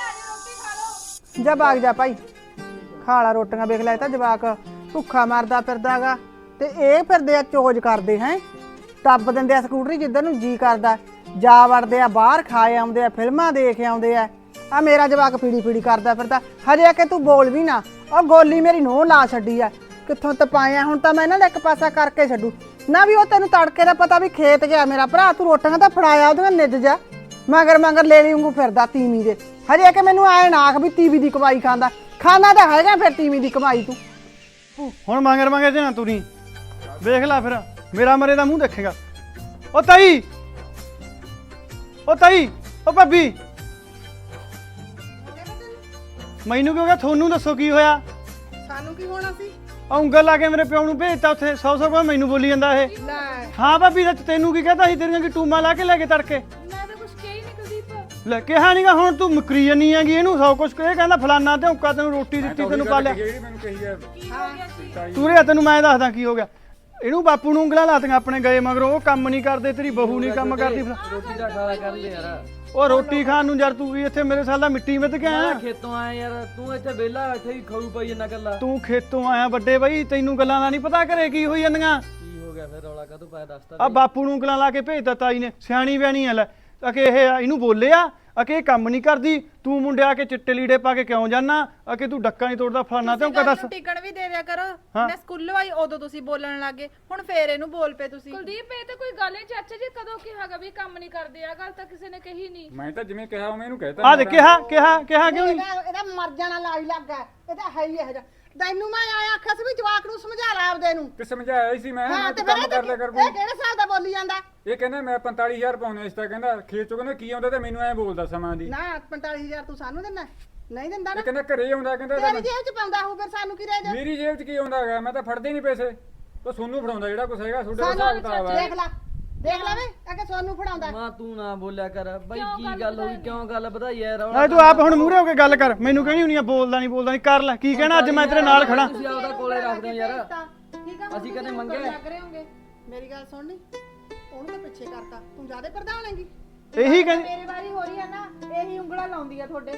S4: ਜਾ ਭਾਗ ਜਾ ਭਾਈ, ਖਾ ਲਾ ਰੋਟੀਆਂ। ਵੇਖ ਲੈ, ਇਹ ਤਾਂ ਜਵਾਕ ਭੁੱਖਾ ਮਰਦਾ ਫਿਰਦਾਗਾ, ਤੇ ਇਹ ਫਿਰਦੇ ਆ ਚੋਜ ਕਰਦੇ ਹੈ, ਟੱਪ ਦਿੰਦੇ ਆ ਸਕੂਟਰੀ ਜਿੱਧਰ ਨੂੰ ਜੀ ਕਰਦਾ, ਜਾ ਵੜਦੇ ਆ ਬਾਹਰ, ਖਾਏ ਆਉਂਦੇ ਆ, ਫਿਲਮਾਂ ਦੇਖ ਆਉਂਦੇ ਆ। ਆ ਮੇਰਾ ਜਵਾਕ ਪੀੜੀ ਪੀੜੀ ਕਰਦਾ ਫਿਰਦਾ, ਹਜੇ ਕਿ ਤੂੰ ਬੋਲ ਵੀ ਨਾ। ਉਹ ਗੋਲੀ ਮੇਰੀ ਨੋਹ ਲਾ ਛੱਡੀ ਆ, ਕਿੱਥੋਂ ਤਪਾਇਆ। ਹੁਣ ਤਾਂ ਮੈਂ ਇਹਨਾਂ ਦਾ ਇੱਕ ਪਾਸਾ ਕਰਕੇ ਛੱਡੂ ਨਾ। ਵੀ ਉਹ ਤੈਨੂੰ ਤੜਕੇ ਦਾ ਪਤਾ ਵੀ ਖੇਤ ਗਿਆ ਮੇਰਾ ਭਰਾ, ਤੂੰ ਰੋਟੀਆਂ ਤਾਂ ਫੜਾਇਆ ਉਹਦੀਆਂ ਨਿੱਜ ਜਾ, ਮਗਰ ਮਗਰ ਲੈ ਲਈ ਵਾਂਗੂ ਫਿਰਦਾ ਤੀਵੀਂ ਦੇ। ਹਜੇ ਕਿ ਮੈਨੂੰ ਆਏ ਨਾ ਆਖ ਵੀ ਤੀਵੀਂ ਦੀ ਕਮਾਈ ਖਾਂਦਾ, ਖਾਣਾ ਤਾਂ ਹੈਗਾ ਫਿਰ ਤੀਵੀਂ ਦੀ ਕਮਾਈ ਤੂੰ।
S2: ਹੁਣ ਮੰਗਰ ਮੰਗਰ ਤੇ ਨਾ ਤੁਰੀ, ਵੇਖ ਲੈ ਫਿਰ ਮੇਰਾ ਮਰੇ ਦਾ ਮੂੰਹ ਦੇਖੇਗਾ। ਉਹ ਤਾਈ, ਉਹ ਤਾਈ, ਉਹ ਭਾਬੀ, ਮੈਨੂੰ ਕਿਉਂ ਗਿਆ? ਤੁਹਾਨੂੰ ਦੱਸੋ ਕੀ ਹੋਇਆ?
S4: ਸਾਨੂੰ ਕੀ ਹੋਣਾ ਸੀ?
S2: ਆ ਉਂਗਲ ਲਾ ਕੇ ਮੇਰੇ ਪਿਓ ਨੂੰ ਭੇਜਤਾ ਉੱਥੇ, ਸੌ ਸੌ ਰੁਪਏ ਮੈਨੂੰ ਬੋਲੀ ਜਾਂਦਾ ਇਹ।
S4: ਲੈ
S2: ਹਾਂ ਭਾਬੀ, ਸੱਚ ਤੈਨੂੰ ਕੀ ਕਹਤਾ ਸੀ? ਤੇਰੀਆਂ ਕੀ ਟੂਮਾਂ ਲਾ ਕੇ ਲੈ ਕੇ ਤੜਕੇ?
S3: ਮੈਂ ਤਾਂ ਕੁਝ ਕਿਹਾ ਹੀ ਨਹੀਂ ਕੁਲਦੀਪ।
S2: ਲੈ ਕਿਹਾ ਨਹੀਂਗਾ, ਹੁਣ ਤੂੰ ਮੁਕਰੀ ਜਾਨੀ ਹੈਗੀ ਇਹਨੂੰ ਸੌ ਕੁਛ। ਇਹ ਕਹਿੰਦਾ ਫਲਾਨਾ ਤੇ ਹੁੱਕਾ, ਤੈਨੂੰ ਰੋਟੀ ਦਿੱਤੀ, ਤੈਨੂੰ ਪਾਲਿਆ।
S5: ਜਿਹੜੀ ਮੈਨੂੰ ਕਹੀ ਹੈ
S3: ਕੀ ਹੋ ਗਿਆ ਸੀ?
S2: ਤੂੰ ਰਿਆ, ਤੈਨੂੰ ਮੈਂ ਦੱਸਦਾ ਕੀ ਹੋ ਗਿਆ। ਇਹਨੂੰ ਬਾਪੂ ਨੂੰ ਉਂਗਲਾਂ ਲਾਤੀਆਂ ਆਪਣੇ ਗਏ ਮਗਰੋਂ। ਉਹ ਕੰਮ ਨਹੀਂ ਕਰਦੇ, ਤੇਰੀ ਬਹੂ ਨਹੀਂ ਕੰਮ ਕਰਦੀ।
S6: ਰੋਟੀ ਦਾ ਖਾਲਾ ਕਰ ਲੈ ਯਾਰ।
S2: ਉਹ ਰੋਟੀ ਖਾਣ ਨੂੰ ਯਾਰ ਤੂੰ ਵੀ ਇੱਥੇ ਮੇਰੇ ਸਾਲ ਦਾ ਮਿੱਟੀ ਮਿੱਧ ਕੇ ਆਇਆ।
S6: ਮੈਂ ਖੇਤੋਂ ਆਇਆ ਯਾਰ, ਤੂੰ ਇੱਥੇ ਵਿਹਲਾ ਇੱਥੇ ਹੀ ਖਾਊ ਪਈ ਜੰਨਾ ਕੱਲਾ।
S2: ਤੂੰ ਖੇਤੋਂ ਆਇਆ ਵੱਡੇ ਬਾਈ, ਤੈਨੂੰ ਗੱਲਾਂ ਦਾ ਨਹੀਂ ਪਤਾ ਘਰੇ ਕੀ ਹੋਈ ਜਾਂਦੀਆਂ।
S6: ਕੀ ਹੋ ਗਿਆ ਫਿਰ? ਰੌਲਾ ਕਾਹਤੋਂ ਪਾਇਆ ਦੱਸ ਤਾਂ।
S2: ਆ ਬਾਪੂ ਨੂੰ ਉਂਗਲਾਂ ਲਾ ਕੇ ਭੇਜਤਾ ਤਾਈ ਨੇ, ਸਿਆਣੀ ਬਿਆਣੀ ਆ ਲੈ। ਅਕੇ ਇਹ ਇਹਨੂੰ ਬੋਲਿਆ ਅਕੇ ਇਹ ਕੰਮ ਨਹੀਂ ਕਰਦੀ, ਤੂੰ ਮੁੰਡੇ ਆ ਕੇ ਚਿੱਟੇ ਲੀੜੇ ਪਾ ਕੇ ਕਿਉਂ ਜਾਨਾ, ਅਕੇ ਤੂੰ ਡੱਕਾ ਨਹੀਂ ਤੋੜਦਾ ਫਲਾਨਾ ਤੇ ਉਹ ਕਹ ਦੱਸ।
S1: ਟਿਕਣ ਵੀ ਦੇ ਦਿਆ ਕਰੋ।
S2: ਹਾਂ।
S1: ਮੈਂ ਸਕੂਲੋਂ ਆਈ ਉਦੋਂ ਤੁਸੀਂ ਬੋਲਣ ਲੱਗੇ, ਹੁਣ ਫੇਰ ਇਹਨੂੰ ਬੋਲ ਪਏ ਤੁਸੀਂ।
S3: ਕੁਲਦੀਪ ਇਹ ਤਾਂ ਕੋਈ ਗੱਲ ਨਹੀਂ। ਚਾਚਾ ਜੀ ਕਦੋਂ ਕਿਹਾਗਾ ਵੀ ਕੰਮ ਨਹੀਂ ਕਰਦੇ? ਆ ਗੱਲ ਤਾਂ ਕਿਸੇ ਨੇ ਕਹੀ ਨਹੀਂ।
S5: ਮੈਂ ਤਾਂ ਜਿਵੇਂ ਕਿਹਾ ਉਵੇਂ ਇਹਨੂੰ ਕਹਿਤਾ।
S2: ਆ ਦੇ ਕਿਹਾ ਕਿਹਾ ਕਿਹਾ ਕਿਉਂ ਨਹੀਂ?
S4: ਇਹਦਾ ਇਹਦਾ ਮਰ ਜਾਣਾ ਲਾਈ ਲੱਗਾ, ਇਹਦਾ ਹੈ ਹੀ ਇਹ ਜਿਹਾ। ਤੈਨੂੰ ਮੈਂ ਆਇਆ ਆਖਿਆ ਸੀ ਵੀ ਜਵਾਕ ਨੂੰ ਸਮਝਾ ਲੈ ਆਪਦੇ ਨੂੰ।
S5: ਕਿ ਸਮਝਾਇਆ ਹੀ ਸੀ ਮੈਂ,
S4: ਹਾਂ
S5: ਮੈਂ
S4: ਤੇ
S5: ਤਾਂ
S4: ਫਿਰ
S5: ਕੰਮ ਕਰ ਲਿਆ ਕਰ
S4: ਇਹ
S5: ਕੋਈ।
S4: ਕਿਹੜੇ ਸਾਲ ਦਾ ਬੋਲੀ ਜਾਂਦਾ?
S5: ਇਹ ਕਹਿੰਦਾ ਮੈਂ ਪੰਤਾਲੀ ਹਜ਼ਾਰ ਪਾਉਣੇ ਇਸ ਤਾਂ, ਕਹਿੰਦਾ ਖੇਤ ਚੋਂ ਕਹਿੰਦਾ ਕੀ ਆਉਂਦਾ ਤੇ ਮੈਨੂੰ ਐ ਬੋਲਦਾ ਸਮਾਂ ਦੀ।
S4: ਨਾ ਪੰਤਾਲੀ ਹਜ਼ਾਰ ਤੂੰ ਸਾਨੂੰ ਦਿੰਦਾ? ਨਹੀਂ ਦਿੰਦਾ ਨਾ।
S5: ਇਹ ਕਹਿੰਦਾ ਘਰੇ ਆਉਂਦਾ, ਕਹਿੰਦਾ
S4: ਤੇਰੀ ਜੇਬ ਚ ਪਾਉਂਦਾ ਹੋਊ, ਫਿਰ ਸਾਨੂੰ ਕੀ ਰਹਿ ਜਾ?
S5: ਮੇਰੀ ਜੇਬ 'ਚ ਕੀ ਆਉਂਦਾ ਹੈਗਾ? ਮੈਂ ਤਾਂ ਫੜਦੇ ਨਹੀਂ ਪੈਸੇ, ਤਾਂ ਸੋਨੂੰ ਫੜਾਉਂਦਾ ਜਿਹੜਾ ਕੁਛ ਹੈਗਾ ਤੁਹਾਡੇ ਹਿਸਾਬ
S4: ਸਾਨੂੰ
S5: ਕਿਤਾਬ ਹੈ।
S4: ਦੇਖ ਲੈ ਦੇਖ ਲੈ ਵੇ, ਅੱਗੇ ਸੋਨੂੰ ਫੜਾਉਂਦਾ।
S6: ਮਾਂ ਤੂੰ ਨਾ ਬੋਲਿਆ ਕਰ ਬਾਈ। ਕੀ ਗੱਲ ਹੋਈ? ਕਿਉਂ ਗੱਲ ਵਧਾਈ ਯਾਰ?
S2: ਨਾ ਤੂੰ ਆਪ ਹੁਣ ਮੂਹਰੇ ਹੋ ਕੇ ਗੱਲ ਕਰ, ਮੈਨੂੰ ਕਹਿਣੀ ਹੁੰਨੀ ਆ ਬੋਲਦਾ ਨਹੀਂ ਬੋਲਦਾ ਨਹੀਂ। ਕਰ ਲੈ ਕੀ ਕਹਿਣਾ, ਅੱਜ ਮੈਂ ਤੇਰੇ ਨਾਲ ਖੜਾ।
S6: ਤੁਸੀਂ ਆਪਦਾ ਕੋਲੇ ਰੱਖਦੇ ਹੋ ਯਾਰ।
S4: ਠੀਕ ਆ,
S6: ਅਸੀਂ ਕਦੇ ਮੰਗੇ?
S1: ਲੱਗ ਰਹੇ ਹੋਗੇ।
S4: ਮੇਰੀ ਗੱਲ ਸੁਣ ਨੀ, ਉਹਨੂੰ ਤਾਂ ਪਿੱਛੇ ਕਰਤਾ, ਤੂੰ ਜ਼ਿਆਦਾ ਪ੍ਰਧਾਨ ਹੈਗੀ।
S2: ਇਹੀ ਕਹਿੰਦੀ
S1: ਮੇਰੀ ਵਾਰੀ ਹੋ ਰਹੀ ਆ ਨਾ, ਇਹੀ ਉਂਗਲਾਂ ਲਾਉਂਦੀ ਆ ਤੁਹਾਡੇ।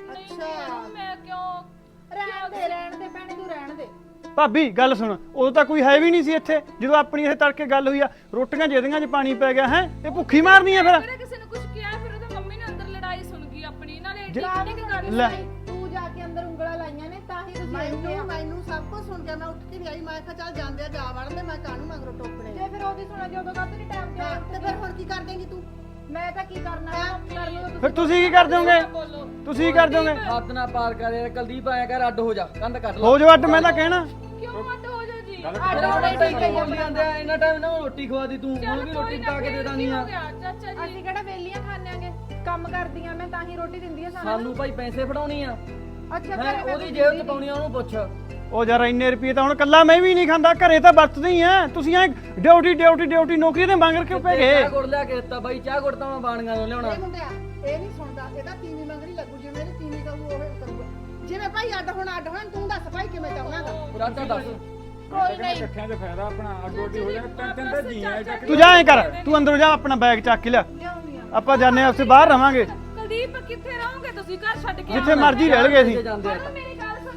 S3: ਅੱਛਾ ਮੈਂ ਕਿਉਂ?
S1: ਰਹਿਣ ਦੇ ਰਹਿਣ ਦੇ ਭੈਣੇ, ਤੂੰ ਰਹਿਣ ਦੇ।
S2: ਭਾਬੀ ਗੱਲ ਸੁਣ, ਉਦੋਂ ਤਾਂ ਕੋਈ ਹੈ ਵੀ ਨਹੀਂ ਸੀ ਇੱਥੇ ਜਦੋਂ ਆਪਣੀ ਇਹ ਤੜਕੇ ਗੱਲ ਹੋਈ ਆ। ਰੋਟੀਆਂ ਜਿਹਦੀਆਂ 'ਚ ਪਾਣੀ ਪੈ ਗਿਆ ਹੈ, ਇਹ ਭੁੱਖੀ ਮਾਰਨੀ ਆ ਫਿਰ।
S3: ਮੇਰੇ ਕਿਸੇ ਨੇ ਕੁਝ ਕਿਹਾ, ਫਿਰ ਉਹਦੇ ਮੰਮੀ ਨੇ ਅੰਦਰ ਲੜਾਈ ਸੁਣ ਗਈ ਆਪਣੀ। ਨਾਲੇ
S2: ਜੇ-
S3: ਠੀਕ ਨਹੀਂ ਗੱਲ
S2: ਲੈ
S1: ਤੂੰ ਜਾ ਕੇ ਅੰਦਰ ਉਂਗਲਾਂ ਲਾਈਆਂ ਨੇ ਤਾਂ ਹੀ ਤੁਸੀਂ
S4: ਮੈਨੂੰ ਮੈਨੂੰ ਸਭ ਕੁਝ ਸੁਣ ਗਿਆ। ਮੈਂ ਉੱਠ ਕੇ ਵੀ ਆਈ, ਮੈਂ ਕਿਹਾ ਚੱਲ ਜਾਂਦੇ ਆ ਜਾ ਵੜਦੇ, ਮੈਂ ਕਾਹਨੂੰ ਮਗਰੋਂ ਟੋਕਣੇ
S1: ਜੇ ਫਿਰ ਉਹਦੀ ਸੁਣਾ ਜੇ ਉਦੋਂ ਕਾਹਤੋਂ ਨਹੀਂ ਟਾਈਮ ਤੇ ਆਇਆ?
S4: ਤੇ ਫਿਰ ਹੁਣ ਕੀ ਕਰ ਦੇਂਗੀ ਤੂੰ?
S1: ਮੈਂ ਤਾਂ ਕੀ ਕਰਨਾ ਕਰ ਲਓ
S2: ਫਿਰ ਤੁਸੀਂ ਕੀ ਕਰ ਦੋਗੇ? ਤੁਸੀਂ ਕੀ ਕਰ ਦੋਗੇ?
S6: ਹੱਥ ਨਾ ਪਾਰ ਕਰ ਯਾਰ। ਕੁਲਦੀਪ ਆਇਆ ਕਰ, ਅੱਡ ਹੋ ਜਾ, ਕੰਧ ਕੱਟ ਲੈ।
S2: ਹੋ ਜਾਓ ਅੱਡ, ਮੈਂ ਤਾਂ ਕਹਿਣਾ।
S3: ਕਿਉਂ ਅੱਡ ਹੋ ਜਾ ਜੀ?
S6: ਅੱਡ ਹੋਣਾ ਠੀਕ ਹੈ ਬੋਲੀ ਜਾਂਦੇ ਆ। ਇੰਨਾ ਟਾਈਮ ਨਾ ਰੋਟੀ ਖਵਾਦੀ ਤੂੰ, ਹੁਣ ਵੀ ਰੋਟੀ ਪਕਾ ਕੇ ਦੇ ਦਾਂਗੀ ਆ।
S3: ਚਾਚਾ ਜੀ
S1: ਅਸੀਂ ਕਿਹੜਾ ਵੇਲੀਆਂ ਖਾਣਾਂਗੇ, ਕੰਮ ਕਰਦੀਆਂ ਮੈਂ ਤਾਂ ਹੀ ਰੋਟੀ ਦਿੰਦੀ ਆ ਸਾਨੂੰ।
S6: ਸਾਨੂੰ ਭਾਈ ਪੈਸੇ ਫੜਾਉਣੀ ਆ।
S1: ਅੱਛਾ
S6: ਹੈਂ,
S1: ਘਰੇ ਮੈਂ
S6: ਉਹਦੀ ਜੇਬ ਚ ਪਾਉਣੀ ਆ, ਉਹਨੂੰ ਪੁੱਛ।
S2: ਉਹ ਯਾਰ ਇੰਨੇ ਰੁਪਏ ਤਾਂ ਹੁਣ ਕੱਲਾ ਮੈਂ ਵੀ ਨਹੀਂ ਖਾਂਦਾ, ਘਰੇ ਤਾਂ ਵਰਤਦੇ ਹੀ ਆ। ਤੁਸੀਂ ਐ ਡਿਊਟੀ ਡਿਊਟੀ ਡਿਊਟੀ ਨੌਕਰੀ ਤੇ ਮੰਗ ਕਿਉਂ ਪੈ ਗਏ?
S6: ਚਾਹ ਗੁੜ ਲਿਆ ਕੇ ਦਿੱਤਾ ਬਾਈ, ਚਾਹ ਗੁੜ ਤਾਂ ਮੈਂ ਬਾਣੀਆਂ ਤੋਂ ਲਿਆਉਣਾ।
S4: ਇਹ ਮੁੰਡਿਆ ਇਹ ਨਹੀਂ ਸੁਣਦਾ, ਇਹਦਾ ਤੀਵੀਂ ਮੰਗਣੀ ਲੱਗੂ, ਜਿਵੇਂ ਇਹਦੀ ਤੀਵੀਂ ਕਹੂ ਉਹ ਕਰੂਗਾ। ਜਿਵੇਂ ਭਾਈ ਅੱਡ ਹੋਣਾ ਅੱਡ ਹੋਣਾ, ਤੂੰ ਦੱਸ ਭਾਈ ਕਿਵੇਂ ਚਾਹੁੰਦਾਗਾ?
S6: ਰਾਜਾ ਦੱਸ।
S1: ਕੋਈ ਨਹੀਂ
S5: ਇਕੱਠਿਆਂ 'ਚ ਫਾਇਦਾ ਆਪਣਾ, ਅੱਡੋ-ਅੱਡੀ ਹੋ ਜਾਏ। ਤਿੰਨ ਤਿੰਨ ਤਾਂ ਜੀ ਆ ਚੱਕ।
S2: ਤੂੰ ਜਾ ਐ ਕਰ, ਤੂੰ ਅੰਦਰੋਂ ਜਾ, ਆਪਣਾ ਬੈਗ ਚੱਕ ਕੇ ਲਿਆ। ਆਪਾਂ ਜਾਣੇ ਆ, ਉੱਥੇ ਬਾਹਰ ਰਵਾਂਗੇ,
S3: ਕੁਲਦੀਪ ਕਿੱਥੇ ਰਹੋਗੇ ਤੁਸੀਂ? ਘਰ ਛੱਡ ਕੇ
S2: ਜਿੱਥੇ ਮਰਜ਼ੀ ਰਹਿ ਲਗੇ ਅਸੀਂ।
S6: ਜਾਂਦੇ ਆ।
S3: ਆਉਣਾ। ਮੇਰੀ ਗੱਲ ਸੁਣ,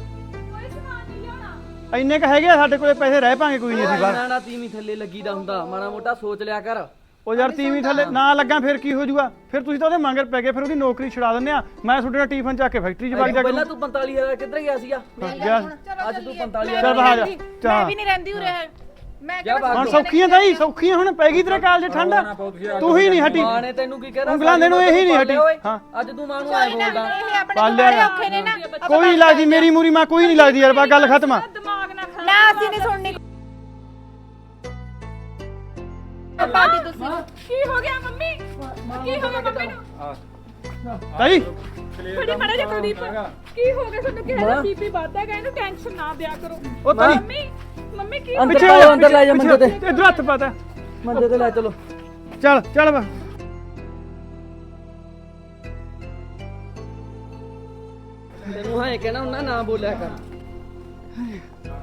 S3: ਕੋਈ ਸਮਾਨ ਨਹੀਂ ਲਿਆਉਣਾ।
S2: ਇੰਨੇ ਕ ਹੈਗੇ ਆ ਸਾਡੇ ਕੋਲੇ ਪੈਸੇ, ਰਹਿ ਪਾਂਗੇ ਕੋਈ ਨਹੀਂ ਅਸੀਂ ਬਾਹਰ।
S6: ਨਾ ਨਾ ਤੀਵੀਂ ਥੱਲੇ ਲੱਗੀਦਾ ਹੁੰਦਾ, ਮਾੜਾ ਮੋਟਾ ਸੋਚ ਲਿਆ ਕਰ।
S2: ਉਹ ਯਾਰ ਤੀਵੀਂ ਥੱਲੇ ਨਾ ਲੱਗਾ ਫਿਰ ਕੀ ਹੋ ਜਾਊਗਾ? ਫਿਰ ਤੁਸੀਂ ਤਾਂ ਉਹਦੇ ਮੰਗਰ ਪੈ ਗਏ, ਫਿਰ ਉਹਦੀ ਨੌਕਰੀ ਛੁਡਾ ਦਿੰਦੇ ਆ। ਮੈਂ ਤੁਹਾਡੇ ਨਾਲ ਟੀਫਨ ਚੱਕ ਕੇ ਫੈਕਟਰੀ 'ਚ ਵਗ ਜਾ
S6: ਪਹਿਲਾਂ ਤੂੰ ਪੰਤਾਲੀ ਹਜ਼ਾਰ ਕਿੱਧਰ ਗਿਆ ਸੀਗਾ?
S2: ਗਿਆ।
S6: ਅੱਜ ਤੂੰ ਪੰਤਾਲੀ
S2: ਚੱਲ
S6: ਹਜ਼ਾਰ
S2: ਬਾਹਰ ਜਾ।
S1: ਮੈਂ
S2: ਚੱਲ
S1: ਵੀ ਨਹੀਂ ਰਹਿੰਦੀ ਉਰੇ। ਮੈਂ
S6: ਜਾ ਬਾਹਰ।
S2: ਹੁਣ ਸੌਖੀਆਂ ਤਾਂ ਹੀ ਸੌਖੀਆਂ, ਹੁਣ ਪੈ ਗਈ ਤੇਰੇ ਕਾਲਜ ਠੰਡ। ਤੂੰ ਹੀ ਨਹੀਂ ਹਟੀ,
S6: ਮਾਂ ਨੇ ਤੈਨੂੰ ਕੀ ਕਹਿਣਾ?
S2: ਉਂਗਲਾਂ ਦੇ ਨੂੰ ਇਹੀ ਨਹੀਂ ਹਟੀ। ਹਾਂ
S6: ਅੱਜ ਤੂੰ ਮਾਂ ਨੂੰ ਆਏ ਬੋਲਦਾ।
S1: ਇਹ ਆਪਣੇ
S2: ਪਾਲਿਆ
S1: ਬੜੇ
S2: ਨਾ।
S1: ਔਖੇ ਨੇ ਨਾ।
S2: ਕੋਈ ਨਹੀਂ ਲੱਗਦੀ ਮੇਰੀ ਮੂਰੀ ਮਾਂ, ਕੋਈ ਨਹੀਂ ਲੱਗਦੀ ਯਾਰ, ਬਾ ਗੱਲ ਖਤਮ ਆ।
S3: ਦਿਮਾਗ ਨਾ ਖਰਾਬ
S1: ਨਾ ਅਸੀਂ ਨਹੀਂ ਸੁਣਨੀ।
S3: ਹੱਥ ਪਾਤੀ ਤੁਸੀਂ ਕੀ ਹੋ ਗਿਆ ਮੰਮੀ ਕੀ ਹੋ ਗਿਆ ਮੰਮੀ ਨੂੰ
S2: ਤਾਈ
S3: ਬੜੀ ਮਾੜਾ ਜਿਹਾ ਕੁਲਦੀਪ ਕੀ ਹੋ ਗਿਆ ਤੁਹਾਨੂੰ ਕਿਹਾ ਨਾ ਬੀਪੀ ਵੱਧਦਾ ਗਿਆ ਇਹਨੂੰ ਟੈਨਸ਼ਨ ਨਾ ਦਿਆ ਕਰੋ
S2: ਉਹ ਤਾਈ
S3: ਮੰਮੀ ਮੰਮੀ ਕੀ
S6: ਅੰਦਰ
S2: ਪਿੱਛੇ
S6: ਲੈ
S2: ਹੋ
S6: ਜਾ,
S2: ਜਾ,
S6: ਅੰਦਰ ਲੈ ਜਾ
S2: ਪਿੱਛੇ-
S6: ਮੰਜੇ ਤੇ।
S2: ਇੱਧਰ ਹੱਥ ਪਾਤਾ
S6: ਮੰਜੇ ਤੇ ਲੈ ਚਲੋ।
S2: ਚੱਲ ਚੱਲ ਵਾ
S6: ਤੈਨੂੰ ਹਾਂ ਕਹਿਣਾ ਹੁੰਦਾ ਨਾ ਬੋਲਿਆ ਕਰ।